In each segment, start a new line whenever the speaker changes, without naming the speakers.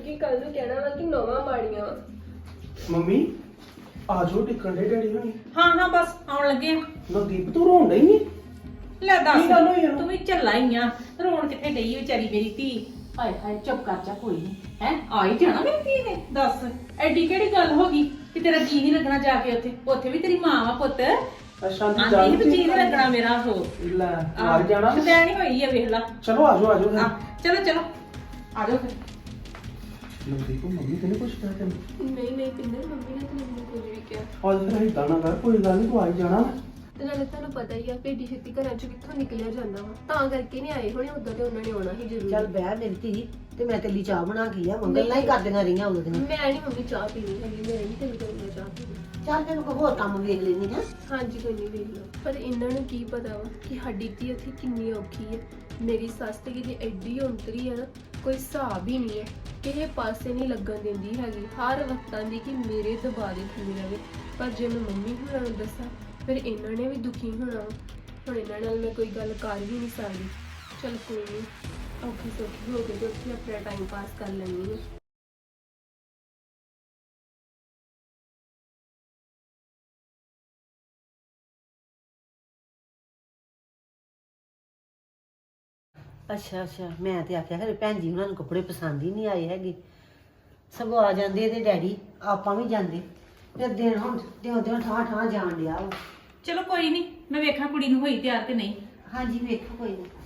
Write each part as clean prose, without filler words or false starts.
ਕਿ ਕੱਲ ਨੂੰ ਕਹਿਣਾ ਵਾ ਕਿ ਨੌਵਾਂ ਮਾੜੀਆਂ ਵਾ।
ਮੰਮੀ ਆ ਜਾਓ ਟਿਕਣ ਦੇ ਡੈਡੀ ਹੋਣੀ।
ਹਾਂ ਹਾਂ ਬਸ ਆਉਣ ਲੱਗੇ ਆ।
ਨਵਦੀਪ ਤੂੰ ਰੋਣ ਡਈ ਨੀ?
ਲੈ ਦੱਸ
ਕੀ ਗੱਲ ਹੋਈ ਇਹਨੂੰ?
ਤੂੰ ਵੀ ਝੱਲਾ ਹੀ ਆ। ਰੋਣ ਕਿੱਥੇ ਡਈ ਵਿਚਾਰੀ ਮੇਰੀ ਧੀ। ਹਾਏ ਹਾਏ ਚੁੱਪ ਕਰ ਜਾ ਕੋਈ ਨਹੀਂ ਹੈ ਆ ਹੀ ਜਾਣਾ ਮੇਰੀ ਧੀ ਨੇ। ਦੱਸ ਐਡੀ ਕਿਹੜੀ ਗੱਲ ਹੋ ਗਈ ਕਿ ਤੇਰਾ ਜੀ ਨਹੀਂ ਲੱਗਣਾ ਜਾ ਕੇ ਉੱਥੇ। ਉੱਥੇ ਵੀ ਤੇਰੀ ਮਾਂ ਵਾ ਪੁੱਤ।
ਅੱਛਾ ਦੀ
ਆਂਦੀ ਵੀ ਜੀ ਨਹੀਂ ਲੱਗਣਾ ਮੇਰਾ ਹੋ
ਲੈ ਮਾਰ ਜਾਣਾ।
ਸ਼ੁਦੈਣੀ ਹੋਈ ਆ ਵੇਖ ਲਾ।
ਚਲੋ ਆ ਜਾਓ ਫਿਰ।
ਚਲੋ ਚਲੋ ਆ ਜਾਓ ਫਿਰ।
ਨਵਦੀਪ ਮੰਮੀ ਤੈਨੂੰ ਕੁਛ ਕਹਿ ਤੈਨੂੰ?
ਨਹੀਂ ਪਿੰਦਰ, ਮੰਮੀ ਨੇ ਤਾਂ ਮੈਨੂੰ ਕੁਝ ਵੀ ਕਿਹਾ।
ਅੱਜ ਫਿਰ ਏਦਾਂ ਨਾ ਕਰ, ਕੋਈ ਗੱਲ ਨਹੀਂ ਤੂੰ ਆ ਹੀ ਜਾਣਾ।
ਤੇ ਨਾਲੇ ਤੁਹਾਨੂੰ ਪਤਾ ਹੀ ਆ ਭੇਡੀ ਛੇਤੀ ਘਰਾਂ ਚੋਂ ਕਿੱਥੋਂ ਨਿਕਲਿਆ ਜਾਂਦਾ ਵਾ, ਤਾਂ ਕਰਕੇ ਨਹੀਂ ਆਏ ਹੋਣੇ। ਉਦੋਂ ਤੇ ਉਹਨਾਂ ਨੇ ਆਉਣਾ ਹੀ ਜ਼ਰੂਰ।
ਚੱਲ ਬਹਿ ਮੇਰੀ ਧੀ, ਤੇ ਮੈਂ ਤੇਲੀ ਚਾਹ ਬਣਾ ਕੇ ਆ ਮੰਗਲ ਨਾਲ ਹੀ ਕਰਦੀਆਂ ਰਹੀਆਂ ਉਦੋਂ ਦੀਆਂ।
ਮੈਂ ਨਹੀਂ ਮੰਮੀ ਚਾਹ ਪੀਣੀ ਹੈਗੀ, ਮੈਂ ਨਹੀਂ ਤੈਨੂੰ ਕਰੂੰਗਾ ਚਾਹ ਪੀਣੀ।
ਚੱਲ ਤੈਨੂੰ ਕੋਈ ਹੋਰ ਕੰਮ ਵੇਖ ਲੈਣੀ ਹੈ।
ਹਾਂਜੀ ਕੋਈ ਨਹੀਂ ਵੇਖ ਲਓ। ਪਰ ਇਹਨਾਂ ਨੂੰ ਕੀ ਪਤਾ ਵਾ ਕਿ ਸਾਡੀ ਧੀ ਉੱਥੇ ਕਿੰਨੀ ਔਖੀ ਹੈ। ਮੇਰੀ ਸੱਸ ਤੇ ਕਿਤੇ ਐਡੀ ਔਂਤਰੀ ਹੈ ਨਾ, ਕੋਈ ਹਿਸਾਬ ਹੀ ਨਹੀਂ ਹੈ। ਕਿਸੇ ਪਾਸੇ ਨਹੀਂ ਲੱਗਣ ਦਿੰਦੀ ਹੈਗੀ, ਹਰ ਵਕਤਾਂ ਦੀ ਕਿ ਮੇਰੇ ਦਬਾਅ ਦੇ ਥੱਲੇ ਰਵੇ। ਪਰ ਜੇ ਮੈਂ ਮੰਮੀ ਹੋਰਾਂ ਨੂੰ ਦੱਸਾਂ ਫਿਰ ਇਹਨਾਂ ਨੇ ਵੀ ਦੁਖੀ ਹੋਣਾ ਵਾ। ਹੁਣ ਇਹਨਾਂ ਨਾਲ ਮੈਂ ਕੋਈ ਗੱਲ ਕਰ ਵੀ ਨਹੀਂ ਸਕਦੀ। ਚਲ ਕੋਈ ਨਹੀਂ, ਔਖੀ ਸੌਖੀ ਹੋ ਕੇ ਤੇ ਉੱਥੇ ਆਪਣਾ ਟਾਈਮ ਪਾਸ ਕਰ ਲੈਂਦੀ ਹਾਂ।
ਅੱਛਾ ਅੱਛਾ, ਮੈਂ ਤੇ ਆਖਿਆ ਖਰੇ ਭੈਣ ਜੀ ਉਹਨਾਂ ਨੂੰ ਕੱਪੜੇ ਪਸੰਦ ਹੀ ਨਹੀਂ ਆਏ ਹੈਗੇ। ਸਗੋਂ ਆ ਜਾਂਦੇ ਇਹਦੇ ਡੈਡੀ, ਆਪਾਂ ਵੀ ਜਾਂਦੇ। ਫਿਰ ਦਿਨ ਹੁਣ ਦਿਉਂ ਠਾਂ ਠਾਂ ਜਾਣ ਡਿਆ ਵਾ।
ਚਲੋ ਕੋਈ ਨਹੀਂ ਮੈਂ ਵੇਖਾਂ ਕੁੜੀ ਨੂੰ ਹੋਈ ਤਿਆਰ ਕਿ ਨਹੀਂ।
ਹਾਂਜੀ ਵੇਖੋ ਕੋਈ ਨਹੀਂ।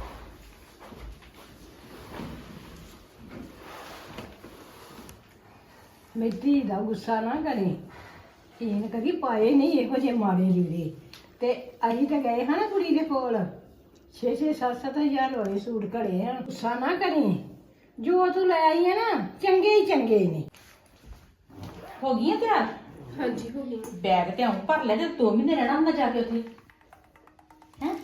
ਮਿੱਟੀ ਦਾ ਗੁੱਸਾ ਨਾ ਕਰੀ। ਇਹਨ ਕਦੀ ਪਾਏ ਨਹੀਂ ਇਹੋ ਜਿਹੇ ਮਾੜੇ ਲੀੜੇ। ਤੇ ਅਸੀਂ ਤਾਂ ਗਏ ਹਾਂ ਨਾ ਕੁੜੀ ਦੇ ਕੋਲ 6-7 ਹਜ਼ਾਰ ਵਾਲੇ ਸੂਟ ਘੜੇ ਆ। ਗੁੱਸਾ ਨਾ ਕਰੀ, ਜੋ ਤੂੰ ਲੈ ਆਈ ਹੈ ਨਾ ਚੰਗੇ ਹੀ ਚੰਗੇ ਨੇ।
ਹੋ ਗਈ ਆ ਤਿਆਰ?
ਹਾਂਜੀ ਹੋ ਗਈ।
ਬੈਗ ਤੇ ਆਉਂ ਭਰ ਲੈ, ਤੇ 2 ਮਹੀਨੇ ਰਹਿਣਾ ਹੁੰਦਾ ਜਾ ਕੇ ਉੱਥੇ ਹੈ।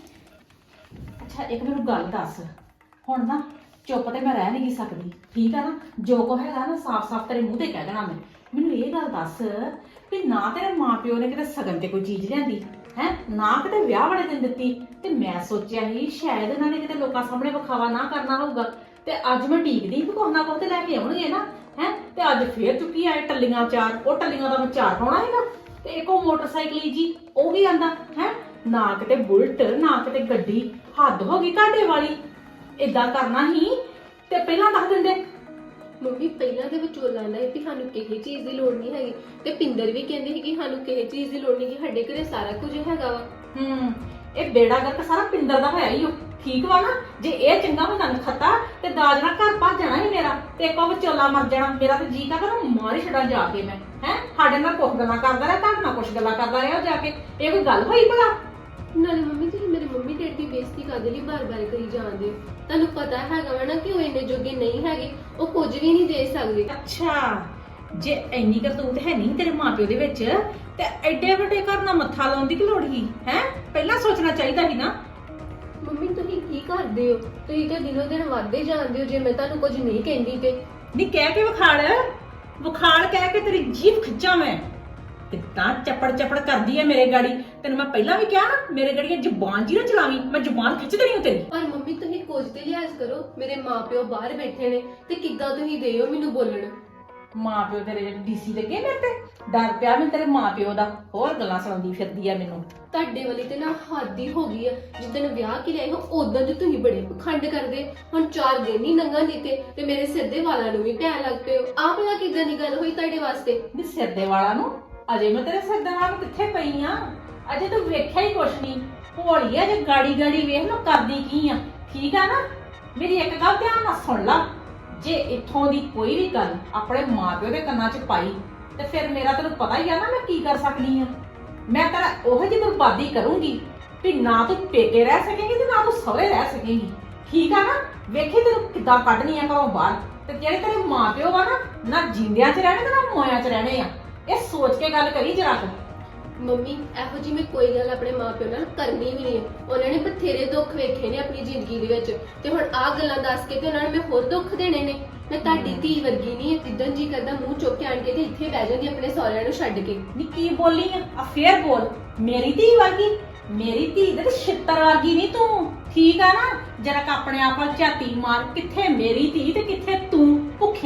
ਅੱਛਾ ਇੱਕ ਮੈਨੂੰ ਗੱਲ ਦੱਸ, ਹੁਣ ਨਾ ਚੁੱਪ ਤੇ ਮੈਂ ਰਹਿ ਨਹੀਂ ਸਕਦੀ, ਠੀਕ ਆ ਨਾ? ਜੋ ਕੋ ਹੈਗਾ ਨਾ ਸਾਫ਼-ਸਾਫ਼ ਤੇਰੇ ਮੂੰਹ ਤੇ ਕਹਿ ਦੇਣਾ ਮੈਂ। ਮੈਨੂੰ ਇਹ ਗੱਲ ਦੱਸ ਵੀ ਨਾ ਤੇਰੇ ਮਾਪਿਓ ਨੇ ਕਿਤੇ ਸਗਨ ਤੇ ਕੋਈ ਚੀਜ਼ ਲਿਆਂਦੀ ਹੈ, ਨਾ ਕਿਤੇ ਵਿਆਹ ਵਾਲੇ ਦਿਨ ਦਿੱਤੀ। ਤੇ ਮੈਂ ਸੋਚਿਆ ਸੀ ਸ਼ਾਇਦ ਇਹਨਾਂ ਨੇ ਕਿਤੇ ਲੋਕਾਂ ਸਾਹਮਣੇ ਵਿਖਾਵਾ ਨਾ ਕਰਨਾ ਹੋਊਗਾ। ਤੇ ਅੱਜ ਮੈਂ ਢੀਕਦੀ ਵੀ ਕੁਛ ਨਾ ਕੁਛ ਤੇ ਲੈ ਕੇ ਆਉਣਗੇ ਨਾ ਹੈ। ਤੇ ਅੱਜ ਫੇਰ ਚੁੱਕੀ ਆਏ ਟੱਲੀਆਂ 4। ਉਹ ਟੱਲੀਆਂ ਦਾ ਮੈਂ 4 ਪਾਉਣਾ ਹੈਗਾ। ਤੇ ਇੱਕ ਉਹ ਮੋਟਰਸਾਈਕਲ ਜੀ ਉਹ ਵੀ ਆਂਦਾ ਹੈ। ਨਾ ਕਿਤੇ ਬੁਲਟ, ਨਾ ਕਿਤੇ ਗੱਡੀ। ਹੱਦ ਹੋ ਗਈ ਤੁਹਾਡੇ ਵਾਲੀ। ਏਦਾਂ ਕਰਨਾ ਹੀ ਤੇ ਪਹਿਲਾਂ ਦੱਸ ਦਿੰਦੇ।
ਮੰਮੀ ਪਹਿਲਾਂ ਦੇ ਵਿਚੋਲਾ ਨਾ ਕਿ ਸਾਨੂੰ ਕਿਸੇ ਚੀਜ਼ ਦੀ ਲੋੜ ਨਹੀਂ ਹੈਗੀ, ਤੇ ਪਿੰਦਰ ਵੀ ਕਹਿੰਦੇ ਸੀ ਕਿ ਸਾਨੂੰ ਕਿਸੇ ਚੀਜ਼ ਦੀ ਲੋੜ ਨਹੀਂ, ਕਿ ਸਾਡੇ ਘਰੇ ਸਾਰਾ ਕੁਝ ਹੈਗਾ ਵਾ।
ਇਹ ਬੇੜਾ ਗਰਕ ਸਾਰਾ ਪਿੰਦਰ ਦਾ ਹੋਇਆ ਹੀ ਉਹ। ਠੀਕ ਵਾ ਨਾ? ਜੇ ਇਹ ਚੰਗਾ ਹੁੰਦਾ ਨਖਤਾ ਤੇ ਦਾਜ ਨਾਲ ਘਰ ਭੱਜ ਜਾਣਾ ਹੀ ਮੇਰਾ, ਤੇ ਇੱਕ ਉਹ ਵਿਚੋਲਾ ਮਰ ਜਾਣਾ ਮੇਰਾ। ਤੇ ਜੀ ਕਰਦਾ ਮਾਰ ਹੀ ਛੱਡਾਂ ਜਾ ਕੇ ਮੈਂ ਹੈ। ਸਾਡੇ ਨਾਲ ਕੁਛ ਗੱਲਾਂ ਕਰਦਾ ਰਿਹਾ, ਤੁਹਾਡੇ ਨਾਲ ਕੁਛ ਗੱਲਾਂ ਕਰਦਾ ਰਿਹਾ ਜਾ ਕੇ। ਇਹ ਕੋਈ ਗੱਲ ਹੋਈ ਭਲਾ?
ਨਾਲੇ ਮੰਮੀ ਤੁਸੀਂ ਮੇਰੇ ਮੰਮੀ ਡੈਡੀ ਦੀ ਬੇਇੱਜ਼ਤੀ ਕਰਦੇ ਲਈ ਬਾਰ-ਬਾਰ ਕਰੀ ਜਾਂਦੇ ਹੋ। ਤੁਹਾਨੂੰ ਪਤਾ ਹੈਗਾ ਵਾ ਨਾ ਕਿ ਉਹ ਇੰਨੇ ਜੋਗੇ ਨਹੀਂ ਹੈਗੇ, ਉਹ ਕੁਝ ਵੀ ਨਹੀਂ ਦੇ ਸਕਦੇ।
ਅੱਛਾ ਜੇ ਇੰਨੀ ਕਰਤੂਤ ਹੈ ਨਹੀਂ ਤੇਰੇ ਮਾਪਿਓ ਦੇ ਵਿੱਚ, ਤੇ ਐਡੇ ਵੱਡੇ ਘਰ ਨਾਲ ਮੱਥਾ ਲਾਉਣ ਦੀ ਕੀ ਲੋੜ ਸੀ ਹੈ? ਪਹਿਲਾਂ ਸੋਚਣਾ ਚਾਹੀਦਾ ਸੀ ਨਾ।
ਮੰਮੀ ਤੁਸੀਂ ਕੀ ਕਰਦੇ ਹੋ? ਤੁਸੀਂ ਤਾਂ ਦਿਨੋਂ ਦਿਨ ਵੱਧਦੇ ਜਾਂਦੇ ਹੋ। ਜੇ ਮੈਂ ਤੁਹਾਨੂੰ ਕੁਝ ਨਹੀਂ ਕਹਿੰਦੀ ਤੇ
ਨਹੀਂ ਕਹਿ ਕੇ ਵਿਖਾਲ ਕਹਿ ਕੇ ਤੇਰੀ ਜੀਭ ਖਿੱਚਾਂ ਮੈਂ। ਕਿੱਦਾਂ ਚੱਪੜ ਕਰਦੀ ਐ ਮੇਰੇ ਗਾੜੀ। ਤੈਨੂੰ ਮੈਂ ਪਹਿਲਾਂ ਵੀ ਕਿਹਾ ਨਾ ਮੇਰੇ ਗਾੜੀ ਜ਼ੁਬਾਨ ਜੀ ਨਾ ਚਲਾਵੀਂ, ਮੈਂ ਜ਼ੁਬਾਨ ਖਿੱਚ ਦੇਣੀ ਤੇਰੀ।
ਪਰ ਮੰਮੀ ਤੁਸੀਂ ਕੁਝ ਤੇ ਲਿਹਾਜ਼ ਕਰੋ। ਮੇਰੇ ਮਾਪਿਓ ਬਾਹਰ ਬੈਠੇ ਨੇ ਤੇ ਕਿੱਦਾਂ ਤੁਸੀਂ ਦਿਓ ਮੈਨੂੰ ਬੋਲਣ।
ਮਾਪਿਓ ਤੇਰੇ ਜਿਹੜੇ ਡੀਸੀ ਲੱਗੇ ਮੇਰੇ ਤੇ, ਡਰ ਪਿਆ ਮੈਨੂੰ ਤੇਰੇ ਮਾਪਿਓ ਦਾ। ਹੋਰ ਗੱਲਾਂ ਸੁਣਾਉਂਦੀ ਫਿਰਦੀ ਆ ਮੈਨੂੰ।
ਤੁਹਾਡੇ ਵਾਲੀ ਤੇ ਨਾ ਹੱਦ ਹੀ ਹੋ ਗਈ ਆ। ਜਿੱਦਣ ਵਿਆਹ ਕੇ ਲਿਆਏ ਹੋ ਉਦੋਂ ਤੇ ਤੁਸੀਂ ਬੜੇ ਪਖੰਡ ਕਰਦੇ। ਹੁਣ 4 ਦਿਨ ਹੀ ਲੰਘਣ ਦਿੱਤੇ ਤੇ ਮੇਰੇ ਸਿਰ ਦੇ ਵਾਲਾਂ ਨੂੰ ਵੀ ਪੈਣ ਲੱਗ ਪਏ ਹੋ। ਆਹ ਭਲਾ ਕਿੱਦਾਂ ਦੀ ਗੱਲ ਹੋਈ ਤੁਹਾਡੇ ਵਾਸਤੇ?
ਨੀ ਸਿਰ ਦੇ ਵਾਲਾਂ ਨੂੰ? ਅਜੇ ਮੈਂ ਤੇਰੇ ਸਿਰ ਦੇ ਵਾਲਾਂ ਨੂੰ ਕਿੱਥੇ ਪਈ ਆ? ਅਜੇ ਤੂੰ ਵੇਖਿਆ ਹੀ ਕੁਛ ਨਹੀਂ। ਭੋਲੀ ਆ ਜੇ ਗਾੜੀ ਵੇਖ ਲੋ ਕਰਦੀ ਕੀ ਆ। ਠੀਕ ਆ ਨਾ? ਮੇਰੀ ਇੱਕ ਗੱਲ ਧਿਆਨ ਨਾਲ ਸੁਣ ਲਾ, ਜੇ ਇੱਥੋਂ ਦੀ ਕੋਈ ਵੀ ਗੱਲ ਆਪਣੇ ਮਾਪਿਓ ਦੇ ਕੰਨਾਂ 'ਚ ਪਾਈ ਤੇ ਫਿਰ ਮੇਰਾ ਤੈਨੂੰ ਪਤਾ ਹੀ ਆ ਨਾ ਮੈਂ ਕੀ ਕਰ ਸਕਦੀ ਆ। ਮੈਂ ਤੇਰਾ ਉਹੋ ਜਿਹੀ ਬਰਬਾਦੀ ਕਰੂੰਗੀ ਵੀ ਨਾ ਤੂੰ ਪੇਕੇ ਰਹਿ ਸਕੇਂਗੀ ਤੇ ਨਾ ਤੂੰ ਸਹੁਰੇ ਰਹਿ ਸਕੇਂਗੀ। ਠੀਕ ਆ ਨਾ? ਵੇਖੀ ਤੈਨੂੰ ਕਿੱਦਾਂ ਕੱਢਣੀ ਆ ਘਰੋਂ ਬਾਹਰ। ਤੇ ਜਿਹੜੇ ਤੇਰੇ ਮਾਪਿਓ ਵਾ ਨਾ ਜਿੰਦਿਆਂ 'ਚ ਰਹਿਣੇ ਤੇ ਨਾ ਮੋਇਆਂ 'ਚ ਰਹਿਣੇ ਆ। ਇਹ ਸੋਚ ਕੇ ਗੱਲ ਕਰੀ ਜਰਾ ਕੁ।
ਮੰਮੀ ਇਹੋ ਜੀ ਮੈਂ ਕੋਈ ਗੱਲ ਆਪਣੇ ਮਾਪਿਓ ਨਾਲ ਕਰਨੀ ਵੀ ਨਹੀਂ ਹੈ। ਉਹਨਾਂ ਨੇ ਬਥੇਰੇ ਦੁੱਖ ਵੇਖੇ ਨੇ ਆਪਣੀ ਜ਼ਿੰਦਗੀ ਦੇ ਵਿੱਚ, ਤੇ ਹੁਣ ਆਹ ਗੱਲਾਂ ਦੱਸ ਕੇ ਤੇ ਉਹਨਾਂ ਨੇ ਮੈਂ ਹੋਰ ਦੁੱਖ ਦੇਣੇ ਨੇ। ਮੈਂ ਤੁਹਾਡੀ ਧੀ ਵਰਗੀ ਨਹੀਂ ਹੈ, ਜਿੱਦਣ ਜੀ ਕਰਦਾ ਮੂੰਹ ਚੁੱਕ ਕੇ ਆਣ ਕੇ ਤੇ ਇੱਥੇ ਬਹਿ ਜਾਂਦੀ ਆਪਣੇ ਸਹੁਰਿਆਂ ਨੂੰ ਛੱਡ ਕੇ।
ਨੀ ਕੀ ਬੋਲੀ ਆ ਫੇਰ ਬੋਲ। ਮੇਰੀ ਧੀ ਵਰਗੀ? ਮੇਰੀ ਧੀ ਦੇ ਛਿੱਤਰ ਵਰਗੀ ਨਹੀਂ ਤੂੰ। ਠੀਕ ਆ ਨਾ? ਜਰਾ ਕ ਆਪਣੇ ਆਪ ਵੱਲ ਝਾਤੀ ਮਾਰ, ਕਿੱਥੇ ਮੇਰੀ ਧੀ ਤੇ ਕਿੱਥੇ ਤੂੰ ਭੁੱਖਿਆਂ ਨੰਗਿਆ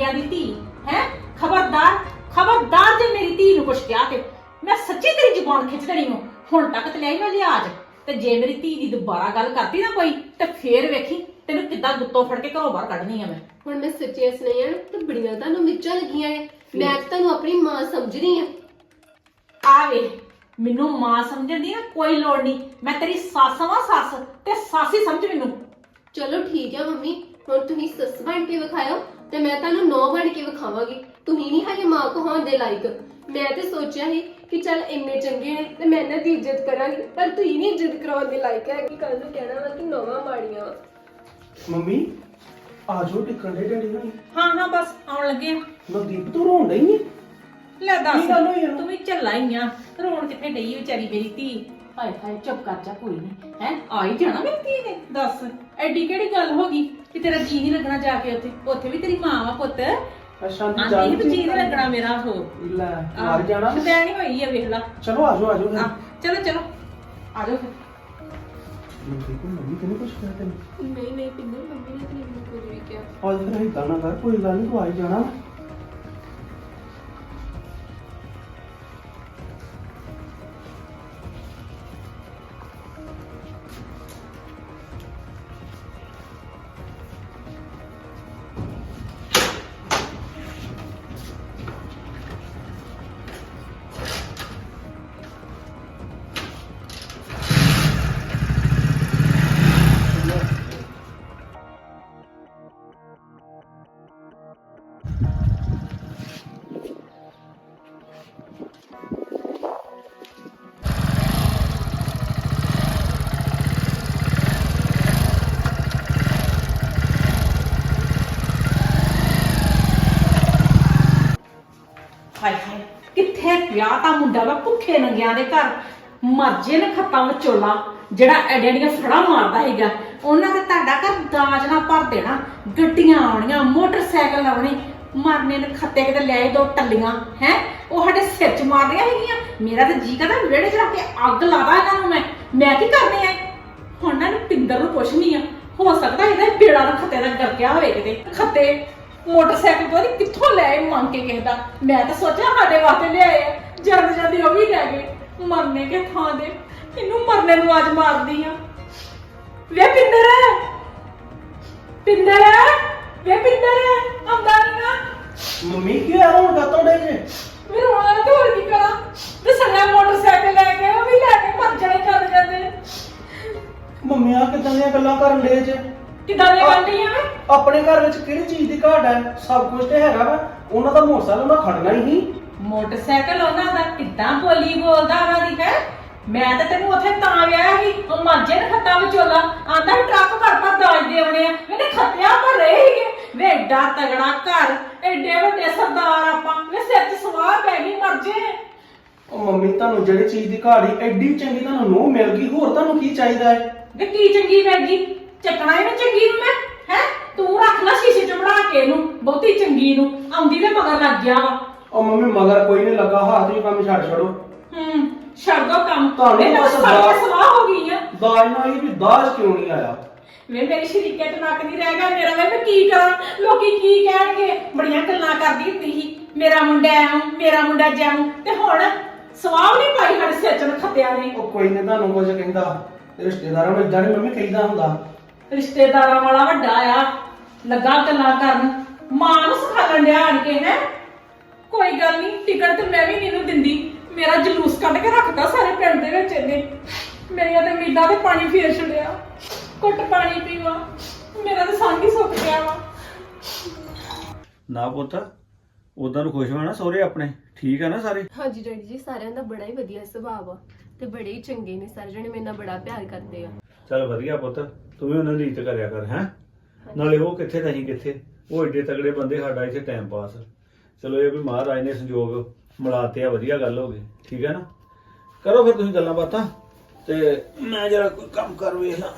ਬੰਦਿਆਂ ਦੀ ਧੀ ਹੈ। ਖਬਰਦਾਰ ਖਬਰਦਾਰ ਜੇ ਮੇਰੀ ਧੀ ਨੂੰ ਕੁਛ ਕਿਹਾ ਤੇ ਮੈਂ ਸੱਚੀ ਤੇਰੀ ਜ਼ੁਬਾਨ ਖਿੱਚ ਦੇਣੀ ਹਾਂ। ਹੁਣ ਤੱਕ ਤੇ ਲਈ ਮੈਂ ਲਿਆਜ, ਤੇ ਜੇ ਮੇਰੀ ਧੀ ਦੀ ਦੁਬਾਰਾ ਗੱਲ ਕਰਤੀ ਨਾ ਕੋਈ ਤੇ ਫੇਰ ਵੇਖੀ ਤੈਨੂੰ ਕਿੱਦਾਂ ਗੁੱਤੋਂ ਫੜ ਕੇ ਘਰੋਂ ਬਾਹਰ ਕੱਢਣੀ ਆ ਮੈਂ।
ਹੁਣ ਮੈਂ ਸੱਚੀਆਂ ਸੁਣਾਈਆਂ ਨਾ ਤੇ ਬੜੀਆਂ ਤੁਹਾਨੂੰ ਮਿਰਚਾਂ ਲੱਗੀਆਂ ਨੇ। ਮੈਂ ਤਾਂ ਤੁਹਾਨੂੰ ਆਪਣੀ ਮਾਂ ਸਮਝ ਰਹੀ ਆ।
ਆ ਵੇ, ਮੈਨੂੰ ਮਾਂ ਸਮਝਣ ਦੀ ਨਾ ਕੋਈ ਲੋੜ ਨਹੀਂ। ਮੈਂ ਤੇਰੀ ਸੱਸ ਵਾਂ, ਸੱਸ ਤੇ ਸਾਸੀ ਸਮਝ ਮੈਨੂੰ।
ਚਲੋ ਠੀਕ ਆ ਮੰਮੀ, ਹੁਣ ਤੁਸੀਂ ਸੱਸ ਬਣ ਕੇ ਵਿਖਾਇਓ ਤੇ ਮੈਂ ਤੁਹਾਨੂੰ ਨੌ ਬਣ ਕੇ ਵਿਖਾਵਾਂਗੀ। ਤੁਸੀਂ ਨਹੀਂ ਹੈਗੇ ਮਾਂ ਕੋ ਹੋਣ ਦੇ ਲਾਇਕ। ਮੈਂ ਤੇ ਸੋਚਿਆ ਸੀ ਕਿ ਚੱਲ ਇੰਨੇ ਚੰਗੇ ਨੇ ਤੇ ਮੈਂ ਇਹਨਾਂ ਦੀ ਇੱਜ਼ਤ ਕਰਾਂਗੀ, ਪਰ ਤੁਸੀਂ ਨਹੀਂ ਇੱਜ਼ਤ ਕਰਾਉਣ ਦੇ ਲਾਇਕ ਹੈਗੀ। ਕੱਲ ਨੂੰ ਕਹਿਣਾ ਵਾ ਕਿ ਨੌਵਾਂ ਮਾੜੀਆਂ ਵਾ।
ਮੰਮੀ ਆ ਜਾਓ ਟਿਕਣ ਦੇ ਡੈਡੀ ਨੂੰ।
ਹਾਂ ਬਸ ਆਉਣ ਲੱਗੇ ਆ।
ਨਵਦੀਪ ਤੂੰ ਰੋਣ ਡਈ ਏ?
ਲੈ ਦੱਸ,
ਕੀ ਗੱਲ ਹੋਈ ਇਹਨੂੰ?
ਤੂੰ ਵੀ ਝੱਲਾ ਹੀ ਆ। ਰੋਣ ਕਿੱਥੇ ਡਈ ਵਿਚਾਰੀ ਮੇਰੀ ਧੀ। ਹਾਏ ਹਾਏ ਚੁੱਪ ਕਰ ਜਾ, ਕੋਈ ਨਹੀਂ ਹੈ। ਆ ਹੀ ਜਾਣਾ ਮੇਰੀ ਧੀ ਨੇ। ਦੱਸ ਐਡੀ ਕਿਹੜੀ ਗੱਲ ਹੋ ਗਈ ਕਿ ਤੇਰਾ ਜੀ ਨਹੀਂ ਲੱਗਣਾ ਜਾ ਕੇ ਉੱਥੇ? ਉੱਥੇ ਵੀ ਤੇਰੀ ਮਾਂ ਵਾ ਪੁੱਤ।
ਅੱਛਾ
ਆਂਦੀ ਵੀ ਜੀ ਨਹੀਂ ਲੱਗਣਾ ਮੇਰਾ। ਉਹ
ਲੈ ਮਰ ਜਾਣਾ।
ਮੈਂ ਨਹੀਂ ਹੋਈ ਆ, ਵੇਖ ਲਾ।
ਚਲੋ ਆ ਜਾਓ ਫਿਰ।
ਚਲੋ ਚਲੋ ਆ ਜਾਓ ਫਿਰ।
ਨਵਦੀਪ ਮੰਮੀ ਤੈਨੂੰ ਕੁਛ ਕਹਿ ਤੈਨੂੰ?
ਨਹੀਂ ਪਿੰਦਰ, ਮੰਮੀ ਨੇ ਤਾਂ ਮੈਨੂੰ ਕੁਝ ਵੀ ਕਿਹਾ।
ਅੱਜ ਫਿਰ ਏਦਾਂ ਨਾ ਕਰ, ਕੋਈ ਗੱਲ ਨਹੀਂ, ਤੂੰ ਆ ਹੀ ਜਾਣਾ।
ਹਾਏ ਹਾਏ, ਕਿੱਥੇ ਵਿਆਹ ਤਾਂ ਮੁੰਡਾ ਵਾ ਭੁੱਖੇ ਨੰਗਿਆਂ ਦੇ ਘਰ। ਮਰਜੇ ਨੇ ਖੱਤਾਂ ਵਿਚੋਲਾ ਜਿਹੜਾ ਐਡੀਆਂ ਫੜਾ ਮਾਰਦਾ ਹੈਗਾ। ਉਹਨਾਂ ਦੇ ਤੁਹਾਡਾ ਘਰ ਦਾਜ ਨਾ ਭਰ ਦੇਣਾ। ਗੱਡੀਆਂ ਆਉਣੀਆਂ, ਮੋਟਰਸਾਈਕਲ ਆਉਣੇ। ਮਰਨੇ ਨੇ ਖੱਤੇ ਕਿਤੇ ਲਿਆਏ ਦੋ ਟੱਲੀਆਂ ਹੈ, ਉਹ ਸਾਡੇ ਸਿਰ 'ਚ ਮਾਰਦੀਆਂ ਹੈਗੀਆਂ। ਮੇਰਾ ਤਾਂ ਜੀ ਕਰਦਾ ਵਿਹੜੇ 'ਚ ਰੱਖ ਕੇ ਅੱਗ ਲਾਦਾ ਇਹਨਾਂ ਨੂੰ। ਮੈਂ ਕੀ ਕਰਨੀ ਐ ਹੁਣ? ਨਾ ਪਿੰਦਰ ਨੂੰ ਪੁੱਛਣੀ ਆ, ਹੋ ਸਕਦਾ ਇਹਦਾ ਬੇੜਾ ਨੂੰ ਖੱਤੇ ਦਾ ਗਰਕਿਆ ਹੋਵੇ ਕਿਤੇ। ਖੱਤੇ ਮੋਟਰਸਾਈਕਲ ਤੋਂ ਕਿੱਥੋਂ ਲੈ ਮੰਗ ਕੇ ਕਿਸੇ ਦਾ। ਮੈਂ ਤਾਂ ਸੋਚਿਆ ਸਾਡੇ ਵਾਸਤੇ ਲਿਆਏ ਆ। ਜਲਦੀ ਉਹ ਵੀ ਲੈ ਗਏ। ਮਰਨੇ ਕੇ ਥਾਂ ਦੇ ਇਹਨੂੰ ਮਰਨੇ ਨੂੰ ਅੱਜ ਮਾਰਦੀ ਆ। ਵੇ ਪਿੰਦਰ, ਪਿੰਦਰ, ਵੇ ਪਿੰਦਰ ਆਉਂਦਾ ਨੀ ਨਾ।
ਮੰਮੀ ਕੀ ਹੋਇਆ ਹੁਣ ਕਾਤੋਂ ਡੇ ਜੇ?
ਮੇਰੇ ਹੁਣ ਤੇ ਹੋਰ ਕੀ ਕਰਾਂ? ਤੇ ਸਾਡਾ ਮੋਟਰਸਾਈਕਲ ਲੈ ਕੇ ਉਹ ਵੀ ਲੈ ਕੇ ਮਰ ਜਾਣੇ ਚੱਲ ਜਾਂਦੇ।
ਮੰਮੀ ਆ ਕਿਦਾਂ ਦੀਆਂ ਗੱਲਾਂ ਕਰਨ ਡੇ ਜੇ?
ਕਿੱਦਾਂ ਦੀਆਂ ਗੱਲਾਂ ਆ?
ਆਪਣੇ ਘਰ ਵਿੱਚ ਕਿਹੜੀ ਚੀਜ਼ ਦੀ ਘਾਟ ਹੈ? ਸਭ ਕੁਝ ਤੇ ਹੈਗਾ ਵਾ। ਉਹਨਾਂ ਦਾ ਮੋਟਰਸਾਈਕਲ ਉਹਨਾਂ ਖੜਨਾ ਹੀ ਨਹੀਂ।
ਮੋਟਰਸਾਈਕਲ ਉਹਨਾਂ ਦਾ ਕਿੱਦਾਂ ਬੋਲੀ ਬੋਲਦਾ ਉਹਨਾਂ ਦੀ ਹੈ। ਮੈਂ ਤਾਂ ਤੈਨੂੰ ਉੱਥੇ ਤਾਂ ਗਿਆ ਸੀ, ਉਹ ਮਾਝੇ ਨੇ ਖੱਤਾ ਵਿਚੋਲਾ ਆਂਦਾ ਟਰੱਕ ਭਰ ਦਾਜ ਦੇ ਆਉਣੇ ਆ। ਮੈਨੇ ਖੱਤਿਆਂ ਭਰ ਰਹੇ ਸੀਗੇ। ਵੇ ਏਡਾ ਤਗੜਾ ਘਰ, ਏਡੇ ਵੱਡੇ ਸਰਦਾਰ ਆਪਾਂ, ਵੇ ਸਿਰ 'ਚ ਸਵਾਹ ਪੈ ਗਈ ਮਰਜੇ।
ਉਹ ਮੰਮੀ ਤੁਹਾਨੂੰ ਜਿਹੜੀ ਚੀਜ਼ ਦੀ ਘਾਟ ਹੀ ਐਡੀ ਚੰਗੀ ਤੁਹਾਨੂੰ ਨੂੰਹ ਮਿਲ ਗਈ, ਹੋਰ ਤੁਹਾਨੂੰ ਕੀ ਚਾਹੀਦਾ ਹੈ?
ਵੇ ਕੀ ਚੰਗੀ ਪੈ ਗਈ? ਚੱਕਣਾ ਇਹਨੂੰ ਚੰਗੀ ਨੂੰ ਮੈਂ ਹੈ? ਤੂੰ ਰੱਖ ਲੈ ਸ਼ੀਸ਼ੇ 'ਚ ਬਣਾ ਕੇ ਇਹਨੂੰ, ਬਹੁਤੀ ਚੰਗੀ ਨੂੰ। ਆਉਂਦੀ ਤੇ ਮਗਰ ਲੱਗ ਗਿਆ ਵਾ।
ਉਹ ਮੰਮੀ ਮਗਰ ਕੋਈ ਨਹੀਂ ਲੱਗਾ, ਹੱਥ ਹੀ ਕੰਮ ਛੱਡ ਛੱਡੋ।
ਛੱਡ ਦੋ ਕੰਮ।
ਤੁਹਾਨੂੰ
ਤਾਂ
ਬਸ
ਸਵਾਹ ਹੋ ਗਈ ਆ।
ਦਾਜ ਨਾਲ ਹੀ ਵੀ ਦਾਜ ਕਿਉਂ ਨਹੀਂ ਆਇਆ?
ਵੇ ਮੇਰੀ ਸ਼ਰੀਕੇ ਤੇ ਨੱਕ ਨਹੀਂ ਰਹਿ ਗਿਆ ਮੇਰਾ। ਵੇ ਮੈਂ ਕੀ ਕਰਾਂ? ਲੋਕੀ ਕੀ ਕਹਿਣਗੇ? ਬੜੀਆਂ ਗੱਲਾਂ ਕਰਦੀ ਹੁੰਦੀ ਸੀ, ਮੇਰਾ ਮੁੰਡਾ ਐਉਂ, ਮੇਰਾ ਮੁੰਡਾ ਜਿਉਂ। ਤੇ ਹੁਣ ਸਵਾਹ ਨਹੀਂ ਪਾਈ ਸਾਡੇ ਸਿਰ 'ਚ ਖੱਤਿਆਂ ਨੇ।
ਉਹ ਕੋਈ ਨਹੀਂ ਤੁਹਾਨੂੰ ਕੁਝ ਕਹਿੰਦਾ, ਰਿਸ਼ਤੇਦਾਰਾਂ ਨੂੰ ਇਦਾਂ ਨਹੀਂ ਮੰਮੀ ਕਹੀਦਾ ਹੁੰਦਾ।
ਰਿਸ਼ਤੇਦਾਰਾਂ ਵਾਲਾ ਵੱਡਾ ਆ, ਲੱਗਾ ਗੱਲਾਂ ਕਰਨ, ਮਾਂ ਨੂੰ ਸਿਖਾਉਣ ਡਿਆ ਆਣ ਕੇ ਹੈ। ਕੋਈ ਗੱਲ ਨਹੀਂ, ਟਿਕਟ ਤੇ ਮੈਂ ਵੀ ਨਹੀਂ ਦਿੰਦੀ। ਮੇਰਾ ਜਲੂਸ ਕੱਢ ਕੇ ਰੱਖਦਾ ਸਾਰੇ ਪਿੰਡ ਦੇ ਵਿੱਚ ਇਹਨੇ। ਮੇਰੀਆਂ ਤੇ ਉਮੀਦਾਂ ਤੇ ਪਾਣੀ ਫੇਰ ਛੱਡਿਆ। ਘੁੱਟ ਪਾਣੀ ਪੀਵਾ, ਮੇਰਾ ਤਾਂ ਸੰਗ ਹੀ ਸੁੱਕ ਗਿਆ ਵਾ।
ਨਾ ਪੁੱਤ, ਉਦਾਂ ਨੂੰ ਖੁਸ਼ ਹੋਣਾ ਸਹੁਰੇ ਆਪਣੇ? ਠੀਕ ਆ ਨਾ ਸਾਰੇ?
ਹਾਂਜੀ ਡੈਡੀ ਜੀ, ਸਾਰਿਆਂ ਦਾ ਬੜਾ ਹੀ ਵਧੀਆ ਸੁਭਾਅ ਆ ਤੇ ਬੜੇ ਹੀ ਚੰਗੇ ਨੇ। ਸਾਰੇ ਜਣੇ ਮੇਰੇ ਨਾਲ ਬੜਾ ਪਿਆਰ ਕਰਦੇ ਆ।
ਚੱਲ ਵਧੀਆ ਪੁੱਤ, ਤੂੰ ਵੀ ਉਹਨਾਂ ਦੀ ਇੱਜ਼ਤ ਕਰਿਆ ਕਰ ਹੈ। ਨਾਲੇ ਉਹ ਕਿੱਥੇ ਤੇ ਅਸੀਂ ਕਿੱਥੇ, ਉਹ ਏਡੇ ਤਗੜੇ ਬੰਦੇ, ਸਾਡਾ ਇੱਥੇ ਟਾਈਮ ਪਾਸ। ਚਲੋ ਇਹ ਵੀ ਮਹਾਰਾਜ ਨੇ ਸੰਜੋਗ ਮਿਲਾਤੇ ਆ, ਵਧੀਆ ਗੱਲ ਹੋ ਗਈ। ਠੀਕ ਹੈ ਨਾ? ਕਰੋ ਫਿਰ ਤੁਸੀਂ ਗੱਲਾਂ ਬਾਤਾਂ, ਤੇ ਮੈਂ ਜਰਾ ਕੋਈ ਕੰਮ ਕਰ ਵੇਖਾਂ।